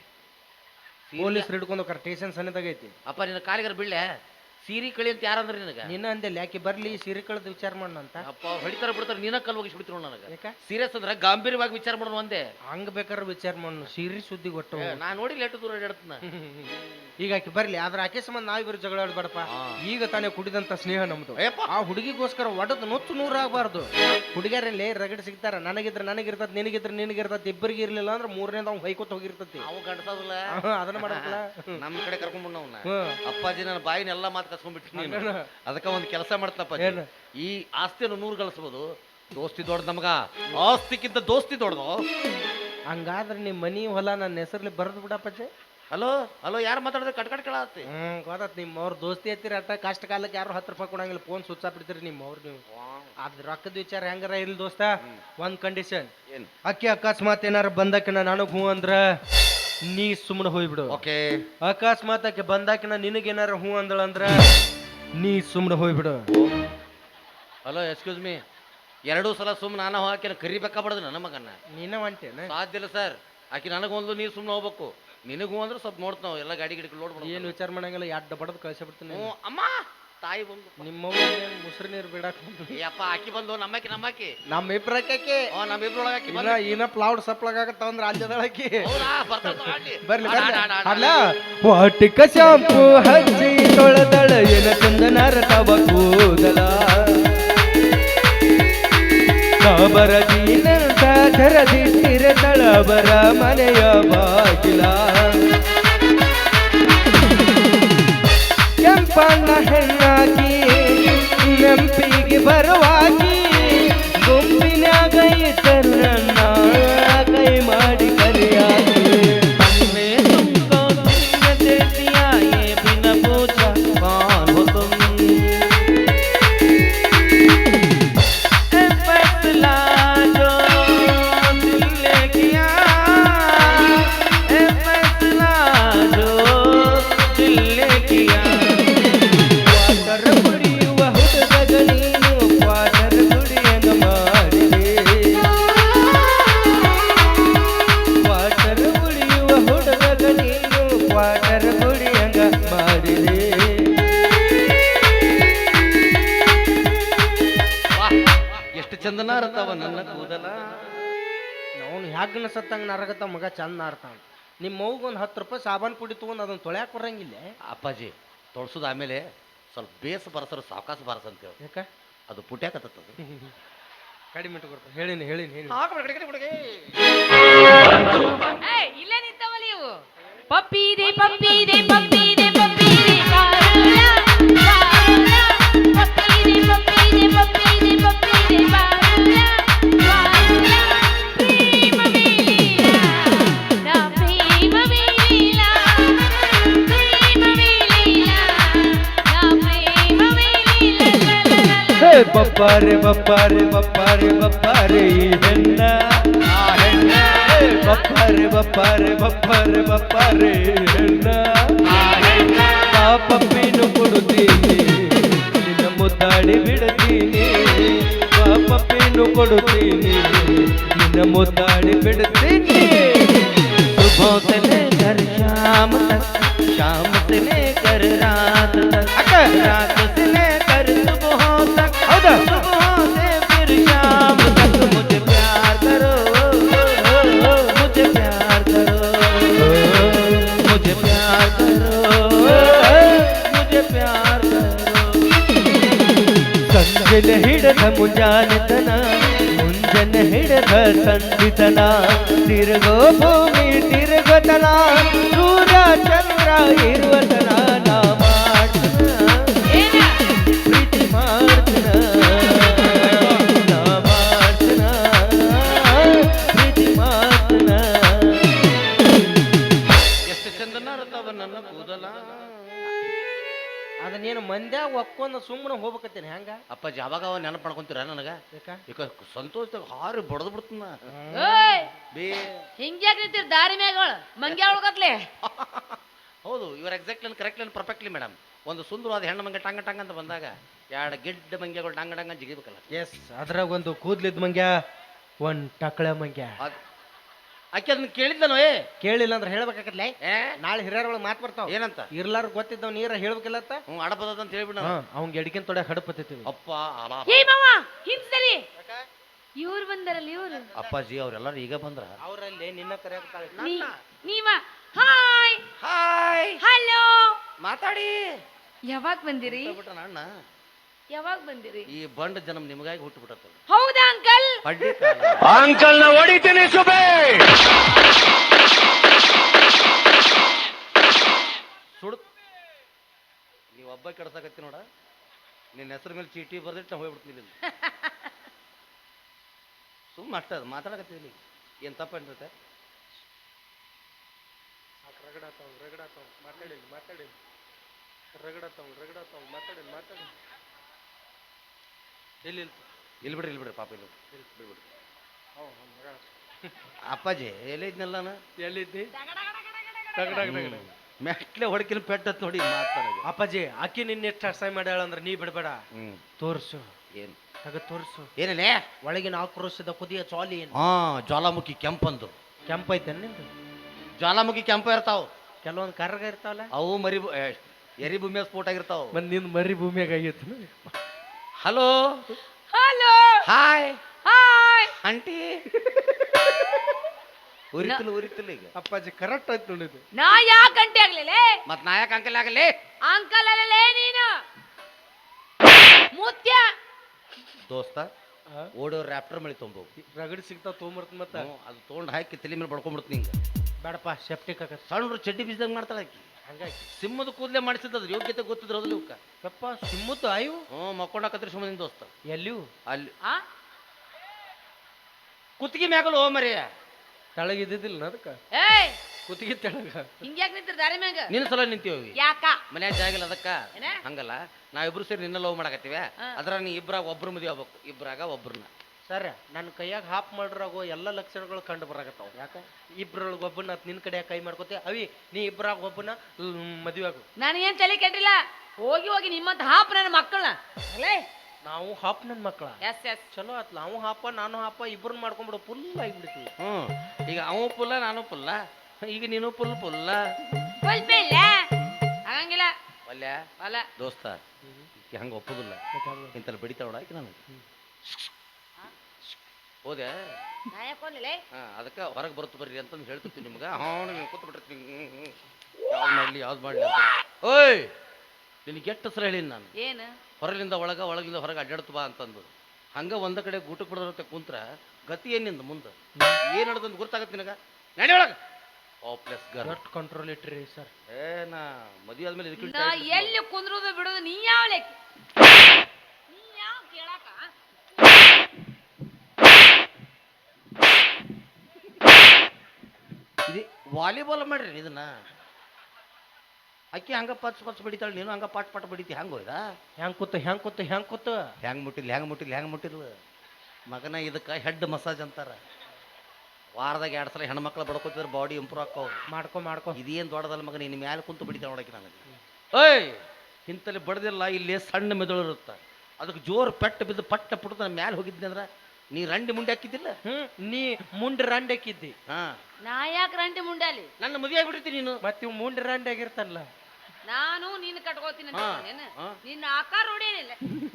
Speaker 3: ಪೊಲೀಸರು ಹಿಡ್ಕೊಂಡು ಸ್ಟೇಷನ್ ಸಣ್ಣದಾಗೈತಿ.
Speaker 2: ಅಪ್ಪ ನಿನ್ನ ಕಾಲಿಗರ ಬಿಡ್ಲೆ ಸೀರಿ ಕಳಿ ಅಂತ ಯಾರಂದ್ರೆ ನಿನಗ?
Speaker 3: ನಿನ್ನ ಅಂದೆಲ್ಲ ಯಾಕೆ ಬರ್ಲಿ ಸೀರೆ ಕಳೆದು ವಿಚಾರ ಮಾಡೋಣ ಅಂತ.
Speaker 2: ಅಪ್ಪ ಹೊಡಿತಾರ ಬಿಡ್ತಾರ, ನೀನ ಕಲ್ ಹೋಗಿಸಿ ಬಿಡ್ತಿರೋ ನನಗೆ.
Speaker 3: ಯಾಕ?
Speaker 2: ಸೀರಿಯಸ್ ಅಂದ್ರೆ ಗಾಂಭೀರ್ಯವಾಗಿ ವಿಚಾರ ಮಾಡೋಣ ಒಂದೇ.
Speaker 3: ಹಂಗ ಬೇಕಾದ್ರೆ ವಿಚಾರ ಮಾಡೋಣ. ಸೀರೆ ಸುದ್ದಿ ಕೊಟ್ಟು
Speaker 2: ನಾ ನೋಡಿ ಲೇಟು ದೂರ ಹೇಳ್ತನ.
Speaker 3: ಈಗ ಆಕೆ ಬರ್ಲಿ, ಆದ್ರೆ ಆಕೆ ಸಂಬಂಧ ನಾವಿಬ್ರು ಜಗಳ ಆಡ್ಬೇಡಪ್ಪ. ಈಗ ತಾನೇ ಕುಡಿದಂತ ಸ್ನೇಹ ನಮ್ದು. ಆ ಹುಡುಗಿಗೋಸ್ಕರ ಒಡದ್ ನುಚ್ಚು ನೂರಾಗಬಾರ್ದು. ಹುಡುಗಿಯರಲ್ಲಿ ರಗಡ್ ಸಿಗ್ತಾರ. ನನಗಿರ್ತದ, ನಿನಗಿದ್ರೆ ನಿನಗಿರ್ತದ. ಇಬ್ಬರಿಗೆ ಇರ್ಲಿಲ್ಲ ಅಂದ್ರೆ ಮೂರನೇದ ಅವ್ನು ಹೊಯ್ಕೋತ ಹೋಗಿರ್ತತಿ.
Speaker 2: ಅವು ಗಂಡಸಲ್ಲ
Speaker 3: ಅದನ್ನ ಮಾಡಲ್ಲ.
Speaker 2: ನಮ್ಮ ಕಡೆ ಕರ್ಕೊಂಡ್ಬಂಡ ಅವನ್ನ. ಅಪ್ಪಾಜಿ ನನ್ನ ಬಾಯಿನೆಲ್ಲ ಮಾತು ಕಸ್ಕೊಂಡ್ಬಿಟ್ಟು ನೀನು. ಅದಕ್ಕೆ ಒಂದು ಕೆಲಸ ಮಾಡ್ತಪ್ಪ. ಈ ಆಸ್ತಿಯನ್ನು 100 ಗಳಿಸ್ಬೋದು. ದೋಸ್ತಿ ದೊಡ್ಡ ನಮಗ, ಆಸ್ತಿಕ್ಕಿಂತ ದೋಸ್ತಿ ದೊಡ್ಡದು.
Speaker 3: ಹಂಗಾದ್ರೆ ನಿಮ್ಮ ಮನಿ ಹೊಲ ನನ್ನ ಹೆಸರಲ್ಲಿ ಬರೆದು ಬಿಡಪ್ಪಜ್ಜೆ.
Speaker 2: ಹಲೋ ಹಲೋ, ಯಾರು ಮಾತಾಡಿದ್ರೆ ಕಟ್ಕಟ್ ಕೇಳತ್ತಿ.
Speaker 3: ಗೊತ್ತಾತ್. ನಿಮ್ಮ ಅವ್ರ ದೋಸ್ತಿ ಹತ್ತಿರ ಅಟ್ಟ ಕಷ್ಟ ಕಾಲಕ್ಕೆ ಯಾರು 10 ರೂಪಾಯಿ ಕೊಡಂಗಿಲ್ಲ. ಫೋನ್ ಸ್ವಿಚ್ ಆಫ್ ಬಿಡ್ತೀರಿ ನಿಮ್ಮ ಅವ್ರು ನೀವು. ಅದ್ ರೊಕ್ಕದ ವಿಚಾರ ಹೆಂಗಾರ ಇರ್ಲಿ ದೋಸ್ತ. ಒಂದ್ ಕಂಡೀಷನ್. ಅಕ್ಕಿ ಅಕಸ್ಮಾತ್ ಏನಾರ ಬಂದಾಕಿನ ನನಗ್ ಹೂ ಅಂದ್ರ ನೀ ಸುಮ್ಮನೆ ಹೋಗ್ಬಿಡು.
Speaker 2: ಓಕೆ.
Speaker 3: ಅಕಸ್ಮಾತ್ ಆಕೆ ಬಂದಾಕಿನ ನಿನಗೇನಾರ ಹೂ ಅಂದಳಂದ್ರ ನೀ ಸುಮ್ಮನೆ ಹೋಗ್ಬಿಡು.
Speaker 2: Hello, excuse me. 2 ಸಲ ಸುಮ್ಮನೆ ನಾನು ಹಾಕಿ ಕರಿಬೇಕಾಗ್ಬಾರ್ದು ನನ್ನ ಮಗನ್ನ.
Speaker 3: ನೀನ ಹೊಂಟೇನ?
Speaker 2: ಸಾಧ್ಯ ಇಲ್ಲ ಸರ್. ಆಕಿ ನನಗೊಂದು, ನೀರು ಸುಮ್ಮನೆ ಹೋಗ್ಬೇಕು. ನಿನಗೂ ಅಂದ್ರೆ ಸ್ವಲ್ಪ ನೋಡ್ತಾವ ಎಲ್ಲ ಗಾಡಿ ಗಿಡಿ ಲೋಡ್
Speaker 3: ಏನು ವಿಚಾರ ಮಾಡಂಗಿಲ್ಲ ಎಡ್ಡ ಬಡದ್ ಕಳ್ಸಿಬಿಡ್ತೀನಿ
Speaker 2: ಅಮ್ಮ ತಾಯಿ ಬಂದು
Speaker 3: ನಿಮ್ಮ ಮುಸ್ರಿ ನೀರು ಬಿಡಾಕ್ ಬಂದು
Speaker 2: ಅಪ್ಪ ಆಕಿ ಬಂದು ನಮ್ಮಕ್ಕಿ
Speaker 3: ನಮ್ಮ ಇಬ್ರಕ್ಕೆ
Speaker 2: ನಮ್ಮಿಬ್ರೊಳಗೆ ಆಕಿ
Speaker 3: ಇನ್ನ ಪ್ಲೌಡ್ ಸಪ್ಲಾಗತ್ತ ಅಂದ್ರೆ ರಾಜ್ಯದೊಳಗೆ ಬರ್ಲಿ
Speaker 2: ಬರ್ಲಿ.
Speaker 3: ಅಲ್ಲ ವಾಟಿಕ ಶಾಂಪು ಹಚ್ಚಿ ತೊಳೆದಳ ಎನ ಚಂದನರ ತವ ಕೂದಲ ಕಾಬರ ಜೀನಂತ ಧರದಿಟ್ಟಿರತಳ ಬರ ಮನೆಯ ಬಾಗಿಲ ಕೆಂಪಣ್ಣ ಹೆಣ್ಣಾಗಿ ನೆಂಪಿಗೆ ಬರುವಾಗಿ ಗುಂಪಿನಾಗ ಇದ್ದರನ್ನ ಕೈ ಮಾಡಿ ಕಲಿಯಾಗಿ ಬಿನ ಪೂಜಾ ಕಾನ್ फैसला जो दिल ने किया फैसला जो दिल ने किया वाटर बुड़ी वहुट गगनीनु वाटर बुड़ी अंग मारिದೆ वाटर बुड़ी वहुट गगनीनु वाटर बुड़ी अंग मारिದೆ
Speaker 2: ಎಷ್ಟು ಚಂದನ ಇರ್ತಾವ ನನ್ನ ಕೂದಲ
Speaker 3: ಅವನು ಹ್ಯಾಗನ ಸತ್ತಂಗ ನರಗತ್ತ ಮಗ ಚಂದ ನಾರ್ತಾನ ನಿಮ್ಮ ಮೌಗೆ ಒಂದು 10 ರೂಪಾಯಿ ಸಾಬಾನ್ ಪುಡಿ ತೊಗೊಂಡು ಅದನ್ನ ತೊಳ್ಯಾಕ ಬರಂಗಿಲ್ಲ
Speaker 2: ಅಪ್ಪಾಜಿ ತೊಳ್ಸೋದು ಆಮೇಲೆ ಸ್ವಲ್ಪ ಬೇಸ್ ಬರಸರು ಸಾವಕಾಶ ಬರಸ ಅಂತ ಹೇಳಿ
Speaker 3: ಯಾಕ
Speaker 2: ಅದು ಪುಟ್ಯಾಕತ್ತದ
Speaker 3: ಕಡಿಮೆ ಇಟ್ಕೊಡ್ತ ಹೇಳಿನಿ
Speaker 1: ಏಯ್ ಇಲ್ಲೇ ನಿಂತವಲ್ಲ ಇವು ಪಪ್ಪಿದೆ ಪಪ್ಪಿದೆ ಪಪ್ಪಿದೆ ಪಪ್ಪಿದೆ ಬಾರುಲ ಬಾರುಲ ಪಪ್ಪಿದೆ ಪಪ್ಪಿದೆ ಪಪ್ಪಿದೆ ಪಪ್ಪಿದೆ ಬಾರುಲ ಬಾರುಲ ಪ್ರೇಮ ವೇಲಿಲ ನಾ ಪ್ರೇಮ ವೇಲಿಲ ಪ್ರೇಮ ವೇಲಿಲ ನಾ ಪ್ರೇಮ ವೇಲಿಲ
Speaker 3: ಬಪ್ಪಾರೆ ಬಪ್ಪಾರೆ ಬಪ್ಪಾರೆ ಬಪ್ಪಾರೆ ಈ ಹೆಣ್ಣ ಆ ಹೆಣ್ಣ ಬಪ್ಪಾರೆ ಬಪ್ಪಾರೆ ಬಪ್ಪಾರೆ ಬಪ್ಪಾರೆ ಈ ಹೆಣ್ಣ ಆ ಹೆಣ್ಣ ಪಾಪಪ್ಪೇನು ಕೊಡುತ್ತೀನಿ ನಿನ್ನ ಮುದ್ದಾಡಿ ಬಿಡುತ್ತೀನಿ ಪಾಪಪ್ಪೇನು ಕೊಡುತ್ತೀನಿ ನಿನ್ನ ಮುದ್ದಾಡಿ ಬಿಡುತ್ತೀನಿ सुबह से लेकर शाम तक शाम से लेकर रात तक रात से लेकर सुबह तक सुबह से फिर शाम तक मुझे प्यार करो मुझे प्यार करो मुझे प्यार करो मुझे प्यार करो ಸಂಜೆನ ಹಿಡದ ಮುಂಜಾನೆತನ ಮುಂಜಾನೆ ಹಿಡದ ಸಂಧಿತನ ತಿರುಗೋ ಭೂಮಿ ತಿರುಗತನ ಸೂರ್ಯ ಚಂದ್ರ ಇರುವತನ ನಾ ಮಾಡ್ತನ ಪ್ರೀತಿ ಮಾಡ್ತನ ನಾ ಮಾಡ್ತನ ಪ್ರೀತಿ ಮಾಡ್ತನ
Speaker 2: ಎಷ್ಟು ಚಂದನ ಇರ್ತಾವ ನನ್ನ ಕೂದಲ
Speaker 3: ಅದನ್ನೇನು ಮಂದ್ಯಾಗ ಒಕ್ಕೊಂದು ಸುಮ್ಮನೆ ಹೋಗ್ಬೇಕತ್ತೇನೆ ಹೆಂಗ
Speaker 2: ಅಪ್ಪಾಜಿ ಯಾವಾಗ ಅವ ನೆನಪು ಮಾಡ್ಕೊಂತೀರ ನನಗ ಈಗ ಸಂತೋಷದಾಗ ಹಾರಿ ಬಡದು ಬಿಡ್ತನ
Speaker 1: ಓಯ್
Speaker 2: ಬೇ
Speaker 1: ಹಿಂಗ್ಯಾಕ್ ನಿಂತಿರ್ ದಾರಿ ಮ್ಯಾಗಳ ಮಂಗ್ಯಾ ಉಳ್ಕತ್ಲೆ
Speaker 2: ಹೌದು ಇವ್ರ ಎಕ್ಸಾಕ್ಟ್ಲಿ ಕರೆಕ್ಟ್ಲಿ ಪರ್ಫೆಕ್ಟ್ಲಿ ಮೇಡಮ್ ಒಂದು ಸುಂದರವಾದ ಹೆಣ್ಣು ಮಂಗೆ ಟಂಗ ಟಂಗ ಅಂತ ಬಂದಾಗ ಎರಡು ಗಿಡ್ಡ ಮಂಗ್ಯಗಳು ಟಂಗ ಟಂಗ ಜಿಗಿಬೇಕಲ್ಲ
Speaker 3: ಎಸ್ ಅದ್ರಾಗ ಒಂದು ಕೂದ್ಲಿದ್ ಮಂಗ್ಯ ಒಂದ್ ಟಕಳ ಮಂಗ್ಯ
Speaker 2: ಆಕೆ ಅದನ್ನ ಕೇಳಿದ್ದನೋ
Speaker 3: ಕೇಳಿಲ್ಲ ಅಂದ್ರೆ ಹೇಳ್ಬೇಕಾಗತ್ಲೆ
Speaker 2: ಏ
Speaker 3: ನಾಳೆ ಹಿರಿಯರೊಳಗೆ ಮಾತು ಬರ್ತಾವ
Speaker 2: ಏನಂತ
Speaker 3: ಇರ್ಲಾರ ಗೊತ್ತಿದ್ದವ್ ನೀರ ಹೇಳ್ಬೇಕಿಲ್ಲತ್ತ
Speaker 2: ಅಡಪದ ಅಂತ ಹೇಳ್ಬಿಡ
Speaker 3: ಅವ್ನ್ ಎಡ್ಕಿನ್ ತೊಡೆ ಹಡಪತ್ತಿವಿ
Speaker 2: ಅಪ್ಪ ಅಲ
Speaker 1: ಏ ಮಾವ ಹಿಂಸಲಿ ಇವ್ರು ಬಂದಾರಲ್ಲ ಇವ್ರು
Speaker 2: ಅಪ್ಪಾಜಿ ಅವ್ರೆಲ್ಲಾರು ಈಗ ಬಂದ್ರ
Speaker 3: ಅವರಲ್ಲಿ ನಿನ್ನ ಕರೆಯಾಗ್ತಾಳೆ
Speaker 1: ನೀವ ಹಾಯ್
Speaker 2: ಹಾಯ್
Speaker 1: ಹಲೋ
Speaker 2: ಮಾತಾಡಿ
Speaker 1: ಯಾವಾಗ ಬಂದಿರಿ
Speaker 2: ಬಿಟ್ಟ ಅಣ್ಣ
Speaker 1: ಯಾವಾಗ ಬಂದಿರಿ
Speaker 2: ಈ ಬಂಡ ಜನ್ಮ ನಿಮಗಾಗಿ ಹುಟ್ಟುಬಿಟ್ಟತ್ತ
Speaker 1: ಹೌದಾ ಅಂಕಲ್
Speaker 2: ಅಡ್ಡಿ
Speaker 4: ಅಂಕಲ್ ನ ಹೊಡಿತೀನಿ ಸುಬೇ
Speaker 2: ಸುಡ್ ನೀವು ಒಬ್ಬ ಕೆಡ್ಸಾಕತ್ತಿ ನೋಡ ನಿನ್ನ ಹೆಸರು ಮೇಲೆ ಚೀಟಿ ಬರ್ದಿಟ್ಟು ನಾ ಹೋಗ್ಬಿಡ್ತೀನಿ ಸುಮ್ಮನೆ ಅಷ್ಟ ಅದು ಮಾತಾಡಕತ್ತೀವಿ ಏನು ತಪ್ಪೇನ್ರತೆ ಇಲ್ಲಿ ಬಿಡ್ರಿ ಪಾಪ ಇಲ್ಲಿ ಬಿಡ್ಬಿಡ್ರಿ ಅಪ್ಪಾಜಿ ಎಲ್ಲಿದ್ನಲ್ಲ ನಾನು
Speaker 3: ಎಲ್ಲಿದ್ದಿ
Speaker 2: ಮೆಟ್ಲೆ ಹೊಡಕಿನ ಪೆಟ್ಟತ್ ನೋಡಿ ಮಾತಾಡ
Speaker 3: ಅಪ್ಪಾಜಿ ಅಕ್ಕಿ ನಿನ್ನ ಎಷ್ಟು ಅಸಹ್ಯ ಮಾಡ್ಯಾಳ ಅಂದ್ರೆ ನೀ ಬಿಡ್ಬೇಡ ತೋರ್ಸು
Speaker 2: ಏನು
Speaker 3: ಆಗ ತೋರ್ಸು
Speaker 2: ಏನೇನೆ
Speaker 3: ಒಳಗಿನ ಆಕ್ರೋಶದ ಕುದಿಯ ಚಾಲಿ ಏನು
Speaker 2: ಹಾ ಜ್ವಾಲಾಮುಖಿ ಕೆಂಪಂದು
Speaker 3: ಕೆಂಪೈತೆ ನಿಂದು
Speaker 2: ಜ್ವಾಲಾಮುಖಿ ಕೆಂಪ ಇರ್ತಾವ,
Speaker 3: ಕೆಲವೊಂದು ಕರ್ಗ ಇರ್ತಾವಲ್ಲ,
Speaker 2: ಅವು ಎರಿ ಭೂಮಿಯ ಸ್ಫೋಟ ಆಗಿರ್ತಾವ.
Speaker 3: ಮತ್ ನಿಂದ ಮರಿ ಭೂಮಿಯಾಗ ಆಗೈತಿ.
Speaker 2: Hello
Speaker 1: hello
Speaker 2: hi
Speaker 1: hi
Speaker 2: aunty. ಉರಿತಿಲ್ಲ ಈಗ.
Speaker 3: ಅಪ್ಪಾಜಿ ಕರೆಕ್ಟ್ ಆಯ್ತು ನೋಡಿದ್ದು.
Speaker 1: ನಾ ಯಾಕೆ ಗಂಟೆ ಆಗ್ಲಿಲ್ಲ
Speaker 2: ಮತ್ ನಾಯಕ ಅಂಕಲ್ ಆಗಲಿ
Speaker 1: ಅಂಕಲ್ ಅಲ್ಲಲೇ ನೀನು ಮುತ್ಯ
Speaker 2: ದೋಸ್ತ. ಓಡೋ ರ್ಯಾಪ್ಟರ್ ಮಳಿ ತೊಂಬ
Speaker 3: ರಗಡಿ ಸಿಗ್ತಾವ ತೊಗೊಂಬರ್ತ ಮತ್ತ
Speaker 2: ಅದು ತೊಗೊಂಡು ಹಾಕಿ ತಲೆ ಮೇಲೆ ಬಡ್ಕೊಂಡ್ಬಿಡ್ತೀನಿ ಹಿಂಗ.
Speaker 3: ಬೇಡಪ್ಪ ಸೆಪ್ಟಿಕ್ ಆಗತ್ತೆ.
Speaker 2: ಸಣ್ಣ ಚಡ್ಡಿ ಬೀಜದಂಗ ಮಾಡ್ತಾಳ ಆಕಿ.
Speaker 3: ಹಂಗಾಗಿ
Speaker 2: ಸಿಂಹದ ಕೂದಲೇ ಮಾಡಿಸಿದ್ರ ಯೋಗ್ಯತೆ ಗೊತ್ತಿದ್ರು ಅದ್ರಲ್ಲಿ ಇವಕ್ಕ.
Speaker 3: ಯಪ್ಪ ಸಿಮ್ಮತ್ತು ಆಯು
Speaker 2: ಮಕ್ಕೊಂಡಾಕತ್ರಿ ಸುಮ್ಮನೆ ದೋಸ್ತ.
Speaker 3: ಎಲ್ಲಿಯೂ
Speaker 2: ಅಲ್ಲಿ
Speaker 1: ಆ
Speaker 2: ಕುತ್ತಿಗೆ ಮ್ಯಾಗಲ್ಲ ಹೋ ಮರಿಯ
Speaker 3: ತೆಳಗಿದ್ದಿದ್ದಿಲ್ಲ ಅದಕ್ಕ
Speaker 1: ಏಯ್
Speaker 3: ಕುತ್ತಿಗೆ ತೆಳಗ
Speaker 1: ಹಿಂಗ್ಯಾಕ್ ನಿಂತಿರ್ ದಾರಿ ಮ್ಯಾಗ
Speaker 2: ನಿನ್ನ ಸಲ ನಿಂತೀವಿ
Speaker 1: ಯಾಕ
Speaker 2: ಮನ್ಯಾಗ ಜಾಗಿಲ್ಲ ಅದಕ್ಕ.
Speaker 1: ಏನ?
Speaker 2: ಹಂಗಲ್ಲ ನಾವಿಬ್ರು ಸೇರಿ ನಿನ್ನ ಲವ್ ಮಾಡಕತ್ತೀವಿ.
Speaker 1: ಹಾ.
Speaker 2: ಅದ್ರ ನೀ ಇಬ್ರಾಗ ಒಬ್ರು ಮದುವೆ ಆಗ್ಬೇಕು, ಇಬ್ರಾಗ ಒಬ್ರನ್ನ.
Speaker 3: ಸರ್ ನನ್ನ ಕೈಯಾಗ ಹಾಪ್ ಮಾಡ್ರಾಗೋ ಎಲ್ಲ ಲಕ್ಷಣಗಳು ಕಂಡು ಬರಾಕತ್ತಾವ. ಯಾಕ ಇಬ್ರೊಳಗೆ ಒಬ್ಬನ ನಿನ್ ಕಡೆ ಕೈ ಮಾಡ್ಕೋತಿ ಅವಿ, ನೀ ಇಬ್ರಾಗ ಒಬ್ಬನ ಮದುವೆ ಆಗು.
Speaker 1: ನನಗೇನ್ ತಲೆ ಕೆಟ್ಟಿಲ್ಲ. ಹೋಗಿ ಹೋಗಿ ನಿಮ್ಮಂತ ಹಾಪ್ ನನ್ನ ಮಕ್ಕಳನ್ನ ಅಲ್ಲೇ
Speaker 3: ನಾವು ಹಾಪ್ ನನ್ನ ಮಕ್ಕಳ
Speaker 1: ಎಸ್ ಎಸ್
Speaker 3: ಚಲೋ ಆತ್ಲ. ನಾವು ಹಾಪ ನಾನು ಹಾಪ ಇಬ್ರನ್ನ ಮಾಡ್ಕೊಂಡ್ಬಿಡು ಫುಲ್ ಆಗಿಬಿಡ್ತೀವಿ.
Speaker 2: ಈಗ ಅವ ಪುಲ್ಲ ನಾನು ಪುಲ್ಲ, ಈಗ ನೀನು ಪುಲ್ಲ
Speaker 1: ಫುಲ್ ಇಲ್ಲ ಆಗಂಗಿಲ್ಲ
Speaker 2: ಅಲ್ಯ
Speaker 1: ಅಲ್ಲ
Speaker 2: ದೋಸ್ತ. ಈಕಿ ಹಂಗ ಒಪ್ಪುದಿಲ್ಲ, ಇಂತಲ್ಲಿ ಬಡಿತಾಳ ಆಕಿ ನನಗೆ. ಹೋದೆ
Speaker 1: ನಾ ಯಾಕೋಲಿಲ್ಲ
Speaker 2: ಅದಕ್ಕೆ ಹೊರಗೆ ಬರುತ್ತ ಬರ್ರಿ ಅಂತಂದು ಹೇಳ್ತಿರ್ತೀನಿ ನಿಮ್ಗೆ. ನೀವು ಕೂತ್ ಬಿಟ್ಟಿರ್ತೀನಿ, ಯಾವ್ದು ಮಾಡಲಿ ಅಂತ. ಓಯ್ ನಿನಗೆ ಎಷ್ಟು ಸಲ ಹೇಳಿನಿ ನಾನು,
Speaker 1: ಏನು
Speaker 2: ಹೊರಗಿಂದ ಒಳಗಿಂದ ಹೊರಗೆ ಅಡ್ಡಾಡ್ತು ಬಾ ಅಂತಂದು. ಹಂಗೆ ಒಂದ ಕಡೆ ಊಟಕ್ಕೆ ಬಿಡೋದಂತೆ ಕುಂತ್ರ ಗತಿ ಏನಿಂದ ಮುಂದೆ ಏನು ನಡೆದಂತ ಗೊತ್ತಾಗತ್ತೆ ನಿನಗ. ನಡಿ ಒಳಗೆ ಪ್ಲಸ್
Speaker 3: ಗಟ್ ಕಂಟ್ರೋಲ್ ಇಟ್ರಿ ಸರ್.
Speaker 2: ನಾ ಮದುವೆ ಆದ್ಮೇಲೆ ಇದಕ್ಕೆ
Speaker 1: ನಾ ಎಲ್ಲಿ ಕುಂದ್ರೋದು ಬಿಡೋದು ನೀ ಯಾವ ಲೆಕ್ಕ, ನೀ ಯಾವ ಕೇಳಾಕ
Speaker 2: ಇದು ವಾಲಿಬಾಲ್ ಮಾಡ್ರಿ ಇದನ್ನ. ಅಕ್ಕಿ ಹಂಗ ಪಚ್ ಬಡಿತಾಳೆ, ನೀನು ಹಂಗ ಪಾಟ್ ಬಡಿತಿ. ಹಂಗ ಹೋಯ್ದ
Speaker 3: ಹೆಂಗ್ ಕೂತ
Speaker 2: ಹೆಂಗ್ ಮುಟ್ಟಿಲ್ಲ ಮಗನ. ಇದಕ್ಕೆ ಹೆಡ್ ಮಸಾಜ್ ಅಂತಾರ. ವಾರದಾಗ 2 ಸಲ ಹೆಣ್ಮಕ್ಳು ಬಡ್ಕೋತಿದ್ರೆ ಬಾಡಿ ಇಂಪ್ರೂವ್ ಆಕ್ಕವ್.
Speaker 3: ಮಾಡ್ಕೊ
Speaker 2: ಇದೇನು ದೊಡ್ಡದಲ್ಲ ಮಗನ, ನಿನ್ನ ಮ್ಯಾಲೆ ಕುಂತು ಬಡಿತಾಳೆ ನೋಡಕ್ಕೆ ನನಗೆ. ಓಯ್ ಇಂತಲ್ಲಿ ಬಡ್ದಿಲ್ಲ, ಇಲ್ಲಿ ಸಣ್ಣ ಮೆದುಳು ಇರುತ್ತೆ. ಅದಕ್ಕೆ ಜೋರು ಪೆಟ್ಟು ಬಿದ್ದು ಪಟ್ಟ ಪುಟ್ಟ ನನ್ನ ಮ್ಯಾಲೆ ಹೋಗಿದ್ನಿ ಅಂದ್ರೆ ನೀ ರಂಡಿ ಮುಂಡೆ ಹಾಕಿದ್ದಿಲ್ಲ.
Speaker 3: ನೀ ಮುಂಡ್ ರಂಡ್ ಹಾಕಿದ್ದಿ.
Speaker 1: ನಾ ಯಾಕೆ ರಂಟಿ ಮುಂಡಾಲಿ
Speaker 2: ನನ್ನ ಮದುವೆ ಆಗ್ಬಿಟ್ಟಿರ್ತೀನಿ ನೀನು.
Speaker 3: ಮತ್ತೆ ಇವ್ ಮುಂಡ್ ರಂಡ್ ಆಗಿರ್ತಾನಲ್ಲ.
Speaker 1: ನಾನು ನೀನು ಕಟ್ಕೋತೀನಿ ಅಂತ ನಿನ್ನ ಆಕಾರ ಹೊಡಿಯಲಿಲ್ಲ.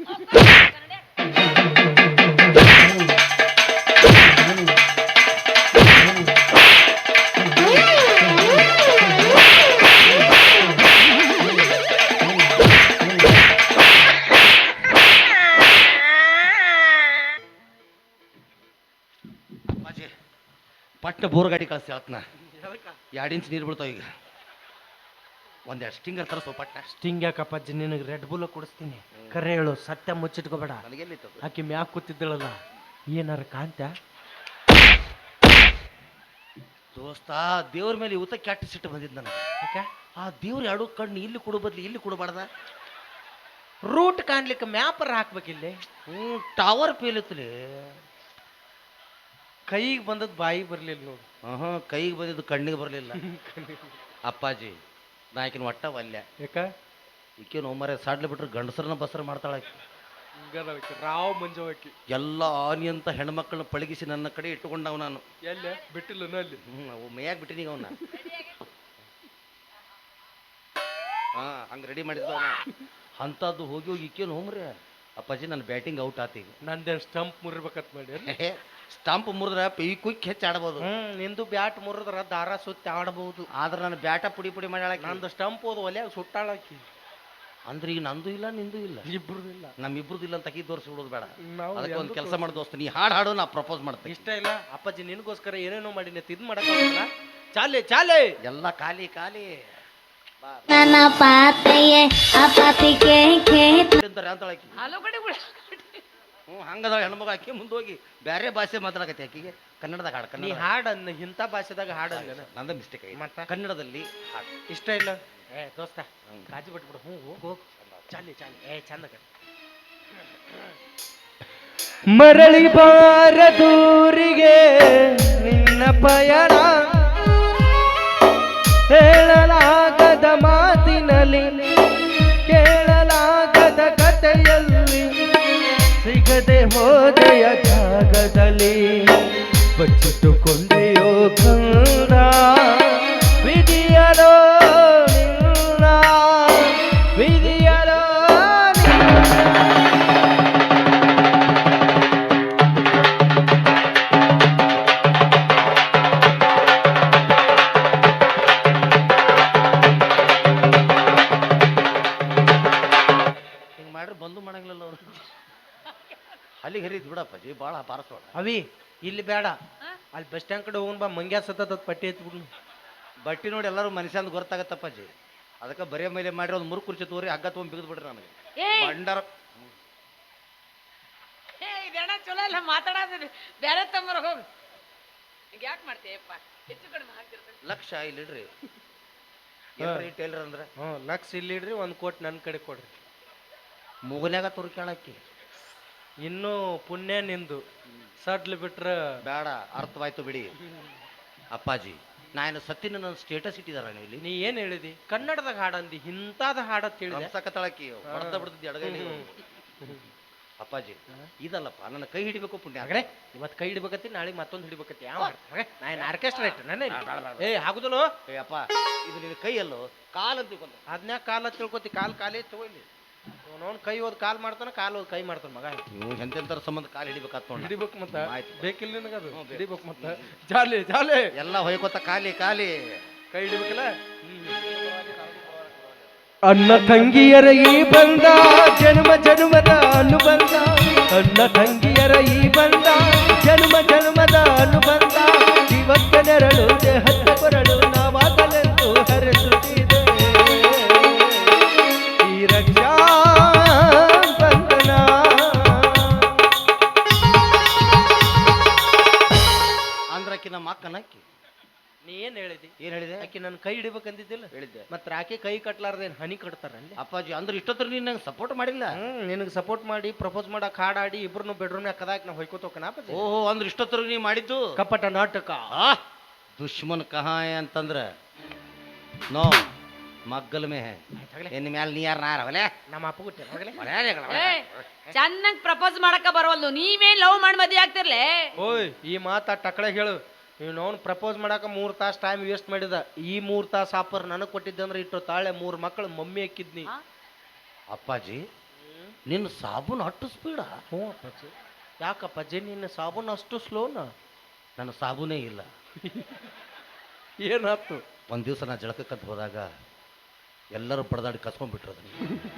Speaker 2: ಪಟ್ಟ ಬೋರ್ ಗಾಡಿ ಕಳಿಸ್ತಿ ಆತ್ನ. 2 ಇಂಚ್ ನೀರು ಬೀಳ್ತಾವ ಈಗ. ಒಂದೆರಡು ಸ್ಟಿಂಗರ್ ತರಿಸೋ ಪಟ್ಟ.
Speaker 3: ಸ್ಟಿಂಗ್ ಯಾಕಪ್ಪಾಜಿ, ನಿನಗೆ ರೆಡ್ ಬುಲ್ ಕೊಡಿಸ್ತೀನಿ. ಕರೆ ಹೇಳು, ಸತ್ಯ ಮುಚ್ಚಿಟ್ಕೋಬೇಡ.
Speaker 2: ನನಗೆಲ್ಲಿತ್ತು
Speaker 3: ಆಕಿ ಮ್ಯಾಕ್ ಕೂತಿದ್ದಳಲ್ಲ, ಏನಾರ ಕಾಂತ
Speaker 2: ದೋಸ್ತ. ದೇವ್ರ ಮೇಲೆ ಊತ ಕೆಟ್ಟ ಸಿಟ್ಟು ಬಂದಿದ್ದು ನನಗೆ.
Speaker 3: ಯಾಕೆ
Speaker 2: ಆ ದೇವ್ರ 2 ಕಣ್ಣು ಇಲ್ಲಿ ಕೊಡು ಬದ್ಲಿ ಇಲ್ಲಿ ಕೊಡಬಾರ್ದ.
Speaker 3: ರೂಟ್ ಕಾಣ್ಲಿಕ್ಕೆ ಮ್ಯಾಪರ್ ಹಾಕ್ಬೇಕಿಲ್ಲಿ.
Speaker 2: ಟವರ್ ಪೇಲಿತ್ತಲಿ.
Speaker 3: ಕೈಗೆ ಬಂದದ್ ಬಾಯಿಗೆ ಬರ್ಲಿಲ್ಲ ನೋಡು.
Speaker 2: ಕೈಗೆ ಬಂದಿದ್ದು ಕಣ್ಣಿಗೆ ಬರಲಿಲ್ಲ. ಅಪ್ಪಾಜಿ ನಾಯಕಿನ ಒಟ್ಟ ವಲ್ಯ.
Speaker 3: ಯಾಕ
Speaker 2: ಈಕೇನು ಮರೆ ಸಾಡ್ಲಿ ಬಿಟ್ರೆ ಗಂಡಸರನ್ನ ಬಸರ ಮಾಡ್ತಾಳ.
Speaker 3: ರಾವ್ ಮಂಜವಾಕಿ
Speaker 2: ಎಲ್ಲ ಆನಿ ಅಂತ ಹೆಣ್ಮಕ್ಳನ್ನ ಪಳಗಿಸಿ ನನ್ನ ಕಡೆ ಇಟ್ಟುಕೊಂಡವ್ ನಾನು.
Speaker 3: ಎಲ್ಲ ಬಿಟ್ಟಿಲ್ಲ ಅಲ್ಲಿ.
Speaker 2: ಅವು ಮೇಯಾಗ ಬಿಟ್ಟಿನೀಗ ಅವನ್ನ. ಹಂಗೆ ರೆಡಿ ಮಾಡಿದ್ದ ಅಂಥದ್ದು ಹೋಗಿ ಈಕೇನು ಹೋಮ್ರಿ. ಅಪ್ಪಾಜಿ ನನ್ನ ಬ್ಯಾಟಿಂಗ್ ಔಟ್ ಆತೀಗ.
Speaker 3: ನಂದೇನು ಸ್ಟಂಪ್ ಮುರಿಬೇಕತ್ ಮಾಡಿ.
Speaker 2: ಸ್ಟಂಪ್ ಮುರಿದ್ರೆ ಈ ಕ್ವಿಕ್ ಹೆಚ್ಚು ಆಡ್ಬೋದು.
Speaker 3: ನಿಂದು ಬ್ಯಾಟ್ ಮುರಿದ್ರ ದಾರ ಸುತ್ತಿ ಆಡಬಹುದು.
Speaker 2: ಆದ್ರೆ ನಾನು ಬ್ಯಾಟ ಪುಡಿ ಮಾಡ್ಯಾಳಕ್ಕೆ.
Speaker 3: ನಂದು ಸ್ಟಂಪ್ ಹೋದ ಒಲೆಯಾಗ ಸುಟ್ಟಾಳಕಿ.
Speaker 2: ಅಂದ್ರೆ ಈಗ ನಂದು ಇಲ್ಲ ನಿಂದು ಇಲ್ಲ,
Speaker 3: ಇಬ್ರದು ಇಲ್ಲ,
Speaker 2: ನಮ್ಮಿಬ್ರದ್ದು ಇಲ್ಲ ಅಂತ ತೋರಿಸಿ ಬಿಡೋದು ಬೇಡ.
Speaker 3: ನಾವು
Speaker 2: ಅದಕ್ಕೆ ಒಂದು ಕೆಲಸ ಮಾಡಿ ದೋಸ್ತ, ನೀ ಹಾಡು ನಾ ಪ್ರಪೋಸ್ ಮಾಡ್ತೀನಿ.
Speaker 3: ಇಷ್ಟ ಇಲ್ಲ ಅಪ್ಪಾಜಿ, ನಿನಗೋಸ್ಕರ ಏನೇನೋ ಮಾಡಿನಿ, ಇದು ಮಾಡಕ್ಕಾಗಲ್ಲ. ಚಾಲೆ
Speaker 2: ಎಲ್ಲ ಖಾಲಿ
Speaker 5: ನನ್ನ ಪಾತೆಯೇ ಅಪಾತಿಗೆ
Speaker 2: ಅಂತಾಳಕಿ.
Speaker 1: ಹಲೋ ಕಡೆ
Speaker 2: ಹಂಗದ ಹೆಣ್ಮಗ ಆಕಿ ಮುಂದೆ ಹೋಗಿ ಬೇರೆ ಭಾಷೆ ಮಾತಾಡಕತ್ತಿ. ಆಕಿಗೆ ಕನ್ನಡದಾಗ ಹಾಡು.
Speaker 3: ನೀ ಹಾಡನ್ನ ಇಂಥ ಭಾಷೆದಾಗ ಹಾಡಲ್ಲ.
Speaker 2: ನಂದ ಮಿಸ್ಟೇಕ್ ಆಗಿ
Speaker 3: ಮತ್ತೆ
Speaker 2: ಕನ್ನಡದಲ್ಲಿ ಹಾಡು
Speaker 3: ಇಷ್ಟ ಇಲ್ಲ. ದೋಸ್ತ ಕಾಜಿ ಬಿಟ್ಬಿಡು. ಹೋಗು ಚಾಲಿ ಚಂದ. ಮರಳಿ ಬಾರದೂರಿಗೆ ನಿನ್ನ ಪಯಣ, ಹೇಳಲಾಗದ ಮಾತಿನಲ್ಲಿ, ಕೇಳಲಾಗದ ಕಥೆಯಲ್ಲಿ, ಸಿಗದೆ ಹೋದೆಯ ಜಾಗದಲ್ಲಿ ಬಚ್ಚಿಟ್ಟುಕೊಂಡೆಯೋ ಕಂದ. ವಿಧಿಯಲೋ ನಿನ್ನ ವಿಧಿಯಲೋ
Speaker 2: ಹಿಂಗೆ ಮಾಡ್ರೆ ಬಂದು ಮಾಡಂಗಿಲ್ಲ ಅವ್ರು ಅಲ್ಲಿಗೆ ಹರಿದು ಬಿಡಪ್ಪಾಜಿ ಭಾಳ ಪಾರಸೋಣ
Speaker 3: ಅವಿ ಇಲ್ಲಿ ಬೇಡ ಅಲ್ಲಿ ಬಸ್ ಸ್ಟ್ಯಾಂಡ್ ಕಡೆ ಹೋಗೋಣ ಬಾ ಮಂಗ್ಯ ಸತತ ಪಟ್ಟಿ ಎತ್ಬಿಡ್ನು
Speaker 2: ಬಟ್ಟಿ ನೋಡಿ ಎಲ್ಲರೂ ಮನುಷ್ಯ ಅಂತ ಗೊತ್ತಾಗತ್ತಪ್ಪಾಜಿ ಅದಕ್ಕೆ ಬರೇ ಮೇಲೆ ಮಾಡಿರೋ ಒಂದು ಮೂರು ಕುರ್ಚಿ ತೋರಿ ಹಗ್ಗ ತೊಗೊಂಡು ಬಿಗಿದು ಬಿಡ್ರಿ ನನಗೆ
Speaker 1: ಏಯ್
Speaker 2: ಬಂಡಾರ
Speaker 1: ಇದೆಣ್ಣ ಚಲೋ ಇಲ್ಲ ಮಾತಾಡೋದು ಬೇರೆ ತಮ್ಮರ ಹೋಗು ಯಾಕೆ ಮಾಡ್ತೀಯಪ್ಪ ಹೆಚ್ಚು ಕಡಿಮೆ ಹಾಕ್ತಿರ್ತೀನಿ
Speaker 2: ಲಕ್ಷ ಇಲ್ಲಿಡ್ರಿ ಟೇಲರ್ ಅಂದ್ರೆ
Speaker 3: ಹ್ಞೂ ಲಕ್ಷ ಇಲ್ಲಿಡ್ರಿ ಒಂದು ಕೋಟಿ ನನ್ನ ಕಡೆ ಕೊಡ್ರಿ
Speaker 2: ಮುಗನ್ಯಾಗ ತುರು ಕೇಳಕ್ಕಿ
Speaker 3: ಇನ್ನೂ ಪುಣ್ಯ ನಿಂದು ಸಡ್ಲು ಬಿಟ್ರೆ
Speaker 2: ಬೇಡ ಅರ್ಥವಾಯ್ತು ಬಿಡಿ ಅಪ್ಪಾಜಿ ನಾನು ಸತ್ತಿನ ನನ್ನ ಸ್ಟೇಟಸ್ ಇಟ್ಟಿದಾರ ನೀವು ಇಲ್ಲಿ
Speaker 3: ನೀ ಏನು ಹೇಳಿದಿ ಕನ್ನಡದಾಗ ಹಾಡಂದಿ ಇಂಥದ ಹಾಡತ್ ಹೇಳಿದೆ
Speaker 2: ಸಕತಳಕಿ ಹೊಡೆದ ಬಿಡ್ತಿದ್ದಿ ಅಡಗಲಿ ಅಪ್ಪಾಜಿ ಇದಲ್ಲಪ್ಪ ನನ್ನ ಕೈ ಹಿಡಿಬೇಕು ಪುಣ್ಯ
Speaker 3: ಹಾಗ್ರೆ ಇವತ್ತು ಕೈ ಹಿಡಿಬೇಕತ್ತಿ ನಾಳೆ ಮತ್ತೊಂದು ಹಿಡಿಬೇಕತ್ತಿ ಯಾವ ನಾನು ಆರ್ಕೆಸ್ಟ್ರಾ ಇಟ್ಟು ನನ್ನ ಏ ಆಗುದಿಲ್ಲೋ
Speaker 2: ಏ ಅಪ್ಪ ಇದು ನಿನ್ನ ಕೈ ಅಲ್ಲೋ ಕಾಲು ಅಂತ ತಿಳ್ಕೊಂಡೆ.
Speaker 3: ಅದ್ನ್ಯಾಕ ಕಾಲ ತಿಳ್ಕೊತಿ ಕಾಲೇ ತಗೊಳ್ಳಿ ಅವನವ್ನು ಕೈ ಓದ್ ಕಾಲ್ ಮಾಡ್ತಾನ ಕಾಲು ಓದ್ ಕೈ ಮಾಡ್ತಾನ ಮಗ
Speaker 2: ನೀವು ಎಂತೆಂತರ ಸಂಬಂಧ ಕಾಲು ಹಿಡಿಬೇಕಾತ್ ನೋಡಿ
Speaker 3: ಹಿಡಿಬೇಕು ಮತ್ತ
Speaker 2: ಆಯ್ತು.
Speaker 3: ಬೇಕಿಲ್ಲ ನಿನಗದು
Speaker 2: ಹ್ಞೂ, ಬೇಕು.
Speaker 3: ಹಿಡಿಬೇಕು ಮತ್ತ ಜಾಲಿ ಜಾಲಿ
Speaker 2: ಎಲ್ಲ ಹೊಯ್ಕೋತ ಖಾಲಿ ಖಾಲಿ
Speaker 3: ಕೈ ಹಿಡಿಬೇಕಲ್ಲ ಅನ್ನ ತಂಗಿಯರ ಈ ಬಂದ ಜನ್ಮ ಜನ್ಮದ ಅನುಬಂಧ ಅನ್ನ ತಂಗಿಯರ ಈ ಬಂದ ಜನ್ಮ ಜನ್ಮದ ಅನುಬಂಧ ಇವತ್ತ ನೆರಳು ದೇಹದ ಕೊರಳು ನಾವಾಗಲೆಂದು ಹರಿಸುತ್ತಿದೆ ಈ ರಕ್ಷಾ ಬಂಧನ
Speaker 2: ಅಂದ್ರಕ್ಕಿ ನಮ್ಮ ಅಕ್ಕನಕ್ಕಿ
Speaker 3: ನೀ ಏನ್ ಹೇಳಿದಿ
Speaker 2: ಏನ್ ಹೇಳಿದೆ
Speaker 3: ಆಕಿ ನನ್ನ ಕೈ ಹಿಡಿಬೇಕಂದಿದ್ದಿಲ್ಲ
Speaker 2: ಹೇಳಿದ್ದೆ
Speaker 3: ಮತ್ತೆ ಆಕೆ ಕೈ ಕಟ್ಲಾರ್ದೇನ್ ಹನಿ ಕಟ್ತಾರಲ್ಲಿ
Speaker 2: ಅಪ್ಪಾಜಿ ಅಂದ್ರೆ ಇಷ್ಟೊತ್ತರ ನೀನು ನಂಗೆ ಸಪೋರ್ಟ್ ಮಾಡಿಲ್ಲ
Speaker 3: ನಿನಗೆ ಸಪೋರ್ಟ್ ಮಾಡಿ ಪ್ರಪೋಸ್ ಮಾಡಕ್ ಹಾಡಾಡಿ ಇಬ್ರು ಬೆಡ್ರೂಮ್ ಕದಾಕ್ ನಾ ಹೊಯ್ಕೋತೋಕನ
Speaker 2: ಓಹೋ ಅಂದ್ರೆ ಇಷ್ಟೊತ್ತರ ನೀ ಮಾಡಿದ್ದು
Speaker 3: ಕಪಟ ನಾಟಕ
Speaker 2: ಆ ದುಶ್ಮನ್ ಕಹಾಯ ಅಂತಂದ್ರ ನೋ ಮಗ್ಗಲ್ ಮೇ ಹೇ ಇನ್ ಮ್ಯಾಲ ನೀ ಯಾರು ನಾರ ಹೊಲೆ
Speaker 3: ನಮ್ಮ ಅಪ್ಪ ಕೊಟ್ಟೆ
Speaker 1: ಚೆನ್ನಾಗಿ ಪ್ರಪೋಸ್ ಮಾಡಕ ಬರವಲ್ದು ನೀವೇನ್ ಲವ್ ಮಾಡಿ ಮದ್ವೆ ಆಗ್ತಿರ್ಲೆ
Speaker 3: ಓಯ್ ಈ ಮಾತಾ ಟಕಳೆ ಹೇಳು ನೀನು ಅವ್ನು ಪ್ರಪೋಸ್ ಮಾಡಾಕ 3 ತಾಸು ಟೈಮ್ ವೇಸ್ಟ್ ಮಾಡಿದ ಈ 3 ತಾಸು ಆಫರ್ ನನಗೆ ಕೊಟ್ಟಿದ್ದೆ ಅಂದ್ರೆ ಇಟ್ಟು ತಾಳೆ 3 ಮಕ್ಕಳು ಮಮ್ಮಿ ಹಾಕಿದ್ನಿ
Speaker 2: ಅಪ್ಪಾಜಿ ನಿನ್ನ ಸಾಬೂನು ಅಟ್ಟು ಸ್ಪೀಡ
Speaker 3: ಹ್ಞೂ ಅಪ್ಪಾಜಿ ಯಾಕಪ್ಪಾಜಿ ನಿನ್ನ ಸಾಬೂನು ಅಷ್ಟು ಸ್ಲೋನ
Speaker 2: ನನ್ನ ಸಾಬೂನೇ ಇಲ್ಲ
Speaker 3: ಏನಾಯ್ತು
Speaker 2: ಒಂದು ದಿವಸ ನಾ ಜಳಕಕ್ಕಂತ ಹೋದಾಗ ಎಲ್ಲರೂ ಬಡದಾಡಿ ಕಸ್ಕೊಂಡ್ಬಿಟ್ರು ಅದನ್ನ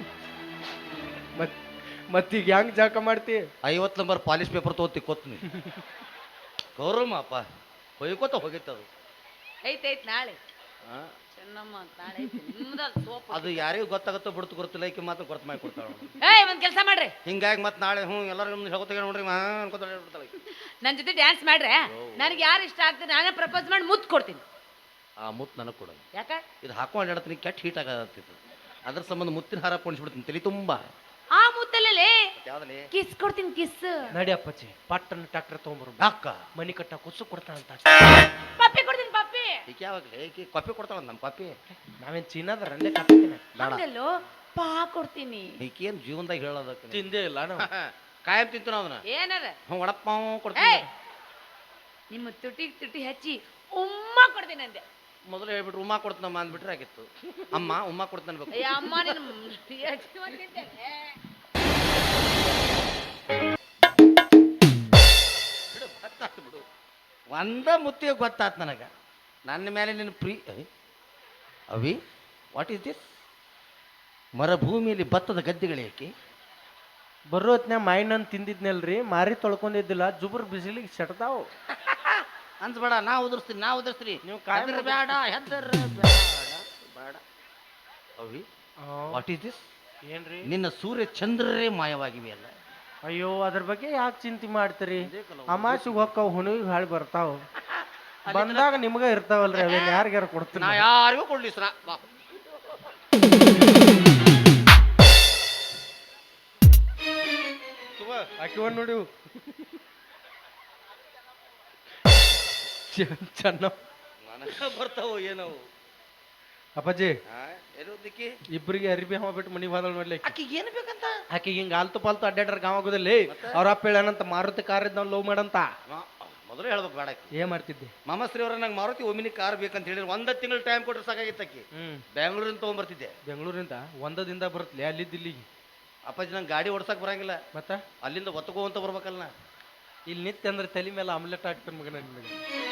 Speaker 3: ಮತ್ತೀಗ ಹೆಂಗ್ ಜಾಕ ಮಾಡ್ತಿ
Speaker 2: 50 ನಂಬರ್ ಪಾಲಿಶ್ ಪೇಪರ್ ತೊಗೊತಿ ಕೊತ್ನಿ ಗೌರಮ್ಮ ಅಪ್ಪ ಹೊಯ್ಕೋತ ಹೋಗಿತ್ತದು
Speaker 1: ಐತೈತ್ ನಾಳೆ ಚೆನ್ನಮ್ಮ ನಾಳೆ ಐತಿ ನಿಮ್ದ ಸೋಪ್
Speaker 2: ಅದು ಯಾರಿಗೂ ಗೊತ್ತಾಗುತ್ತೋ ಬಿಡ್ತು ಗೊತ್ತಿಲ್ಲ ಈಕೆ ಮಾತ್ರ ಗೊತ್ತು ಮಾಡಿ ಕೊಡ್ತಾಳೆ
Speaker 1: ಏಯ್ ಒಂದ್ ಕೆಲಸ ಮಾಡ್ರಿ
Speaker 2: ಹಿಂಗಾಗಿ ಮತ್ತೆ ನಾಳೆ ಎಲ್ಲರೂ ನಿಮ್ದು ಹೇಳ್ಕೊತ ನೋಡ್ರಿ ಅನ್ಕೋತ ಹೇಳ್ಬಿಡ್ತಾಳೆ
Speaker 1: ನನ್ ಜೊತೆ ಡ್ಯಾನ್ಸ್ ಮಾಡ್ರೆ ನನಗೆ ಯಾರು ಇಷ್ಟ ಆಗ್ತದೆ ನಾನೇ ಪ್ರಪೋಸ್ ಮಾಡಿ ಮುತ್ತು ಕೊಡ್ತೀನಿ
Speaker 2: ಆ ಮುತ್ತು ನನಗೆ ಕೊಡೋದು
Speaker 1: ಯಾಕ
Speaker 2: ಇದು ಹಾಕೊಂಡು ಹೇಳ್ತೀನಿ ಕೆಟ್ಟ ಹೀಟ್ ಆಗತ್ತಿತ್ತು ಅದ್ರ ಸಂಬಂಧ ಮುತ್ತಿನ ಹಾರ ಪೊಣಿಸ್ಬಿಡ್ತೀನಿ ತಲೆ ತುಂಬ
Speaker 1: ಆ ಮುತ್ತಲ್ಲೇ
Speaker 2: ಯಾವ್ದಲ್ಲಿ
Speaker 1: ಕಿಸ್ ಕೊಡ್ತೀನಿ ಕಿಸ್
Speaker 3: ನಡಿ ಅಪ್ಪಾಜಿ ಪಟ್ಟನ ಟ್ಯಾಕ್ಟರ್ ತೊಗೊಂಬರು
Speaker 2: ಅಕ್ಕ
Speaker 3: ಮನಿ ಕಟ್ಟ ಕುಸು ಕೊಡ್ತಾನಂತ
Speaker 1: ಪಪ್ಪಿ ಕೊಡ್ತೀನಿ ಪಪ್ಪಿ
Speaker 2: ಈಕೆ ಯಾವಾಗಲೇ ಈಕೆ ಕಾಫಿ ಕೊಡ್ತಾಳ ನಮ್ಮ ಕಾಫಿ
Speaker 3: ನಾವೇನ್ ಚೀನಾದ್ರ ಅಲ್ಲೇ ಕಟ್ತೀನಿ
Speaker 1: ಹಂಗಲ್ಲೋ ಪಾ ಕೊಡ್ತೀನಿ
Speaker 2: ಈಕೆ ಏನು ಜೀವನದಾಗ ಹೇಳೋದಕ್ಕೆ
Speaker 3: ತಿಂದೇ ಇಲ್ಲ ನಾವು
Speaker 2: ಕಾಯಂ ತಿಂತು ನಾವು ಅದನ್ನ
Speaker 1: ಏನಾರ
Speaker 2: ಹ್ಞೂ ವಡಪ್ಪಾವ್ ಕೊಡ್ತೀನಿ
Speaker 1: ಏಯ್ ನಿಮ್ಮ ತುಟಿ ಹಚ್ಚಿ ಉಮ್ಮ ಕೊಡ್ತೀನಿ ಅಂದೆ
Speaker 2: ಮೊದಲು ಹೇಳ್ಬಿಟ್ರು ಉಮ್ಮ ಕೊಡ್ತೀನಮ್ಮ ಅಂದ್ಬಿಟ್ರೆ ಆಗಿತ್ತು ಅಮ್ಮ ಉಮ್ಮ ಕೊಡ್ತಾನೆ ಬೇಕು
Speaker 1: ಅಯ್ಯ ಅಮ್ಮ ನೀನು ಎಷ್ಟು ಬಂದಿದ್ದೇನೆ
Speaker 2: ಬಿಡು ಗೊತ್ತಾತು ಬಿಡು ಒಂದ ಮುತ್ತಿಗೆ ಗೊತ್ತಾತು ನನಗೆ ನನ್ನ ಮೇಲೆ ನಿನ್ನ ಅವಿ ವಾಟ್ ಈಸ್ ದಿಸ್ ಮರುಭೂಮಿಯಲ್ಲಿ ಭತ್ತದ ಗದ್ದೆಗಳೇಕೆ
Speaker 3: ಬರೋ ಹೊತ್ನ್ಯಾಗ ಮಾಯಿನನ್ ತಿಂದಿದ್ನಲ್ರಿ ಮಾರಿ ತೊಳ್ಕೊಂಡಿದ್ದಿಲ್ಲ ಜುಬ್ರ ಬಿಸಿಲಿಗೆ ಸೆಟ್ತಾವ್
Speaker 2: ಅನ್ಸ್ಬೇಡ ನಾ ಉದುರಿಸ್ತೀನಿ
Speaker 3: ನೀವು ಕಾಯಂ
Speaker 2: ಬೇಡ ಹೆದರ್ ಬೇಡ ಅವಿ ವಾಟ್ ಈಸ್ ದಿಸ್
Speaker 3: ಏನ್ರಿ
Speaker 2: ನಿನ್ನ ಸೂರ್ಯ ಚಂದ್ರರೇ ಮಾಯವಾಗಿವೆ ಅಲ್ಲ
Speaker 3: ಅಯ್ಯೋ ಅದ್ರ ಬಗ್ಗೆ ಯಾಕೆ ಚಿಂತೆ ಮಾಡ್ತೀರಿ ಅಮಾಸಿಗೆ ಹೊಕ್ಕಾವ್ ಹುಣಿಗೆ ಹಾಳು ಬರ್ತಾವ್ ಬಂದಾಗ ನಿಮ್ಗ ಇರ್ತಾವಲ್ರಿ ಅವೇನ್ ಯಾರಿಗಾರ ಕೊಡ್ತೀನಿ
Speaker 2: ನಾ ಯಾರಿಗೂ ಕೊಡ್ಲಿ ಸರ ಬಾ
Speaker 3: ಹಾಕಿವ ನೋಡಿ ಚೆನ್ನ
Speaker 2: ನನಗ ಬರ್ತಾವ ಏನವು
Speaker 3: ಅಪ್ಪಾಜಿ
Speaker 2: ಏನೋದಕ್ಕೆ
Speaker 3: ಇಬ್ಬರಿಗೆ ಅರಿಬಿ ಹವ ಬಿಟ್ಟು ಮನಿ ಬಾದಲ್ ಮಾಡ್ಲಿ
Speaker 2: ಆಕಿಗೆ ಏನು ಬೇಕಂತ
Speaker 3: ಆಕಿ ಹಿಂಗ ಆಲ್ತು ಪಾಲ್ತು ಅಡ್ಡಾಡ್ರ ಗಾವ ಆಗೋದಿಲ್ಲ ಅವ್ರ ಅಪ್ಪ ಹೇಳನಂತ ಮಾರುತಿ ಕಾರ್ ಇದ್ನ ಲವ್ ಮಾಡಂತ
Speaker 2: ಮೊದಲು ಹೇಳ್ಬೇಕು ಬೇಡಕ್ಕೆ.
Speaker 3: ಏನ್ ಮಾಡ್ತಿದ್ದೆ?
Speaker 2: ಮಾಮಶ್ರೀ ಅವ್ರ ನಂಗೆ ಮಾರುತಿ ಒಮಿನಿ ಕಾರ್ ಬೇಕಂತ ಹೇಳಿದ್ರೆ 1 ತಿಂಗಳು ಟೈಮ್ ಕೊಟ್ಟರೆ ಸಾಕಾಗಿತ್ತಕ್ಕಿ. ಬೆಂಗಳೂರಿಂದ ತೊಗೊಂಬರ್ತಿದ್ದೆ.
Speaker 3: ಬೆಂಗಳೂರಿಂದ ಒಂದದಿಂದ ಬರುತ್ತಲೆ ಅಲ್ಲಿದ್ದು ಇಲ್ಲಿಗೆ.
Speaker 2: ಅಪ್ಪಾಜಿ ನಂಗೆ ಗಾಡಿ ಓಡ್ಸಕ್ ಬರಂಗಿಲ್ಲ,
Speaker 3: ಮತ್ತ
Speaker 2: ಅಲ್ಲಿಂದ ಒತ್ತಗೋ ಅಂತ ಬರ್ಬೇಕಲ್ಲ ನಾ.
Speaker 3: ಇಲ್ಲಿ ನಿತ್ಯ ಅಂದ್ರೆ ತಲೆ ಮೇಲೆ ಆಮ್ಲೆಟ್ ಹಾಕ್ತಾನೆ ಮಗನ ನಿನಗೆ.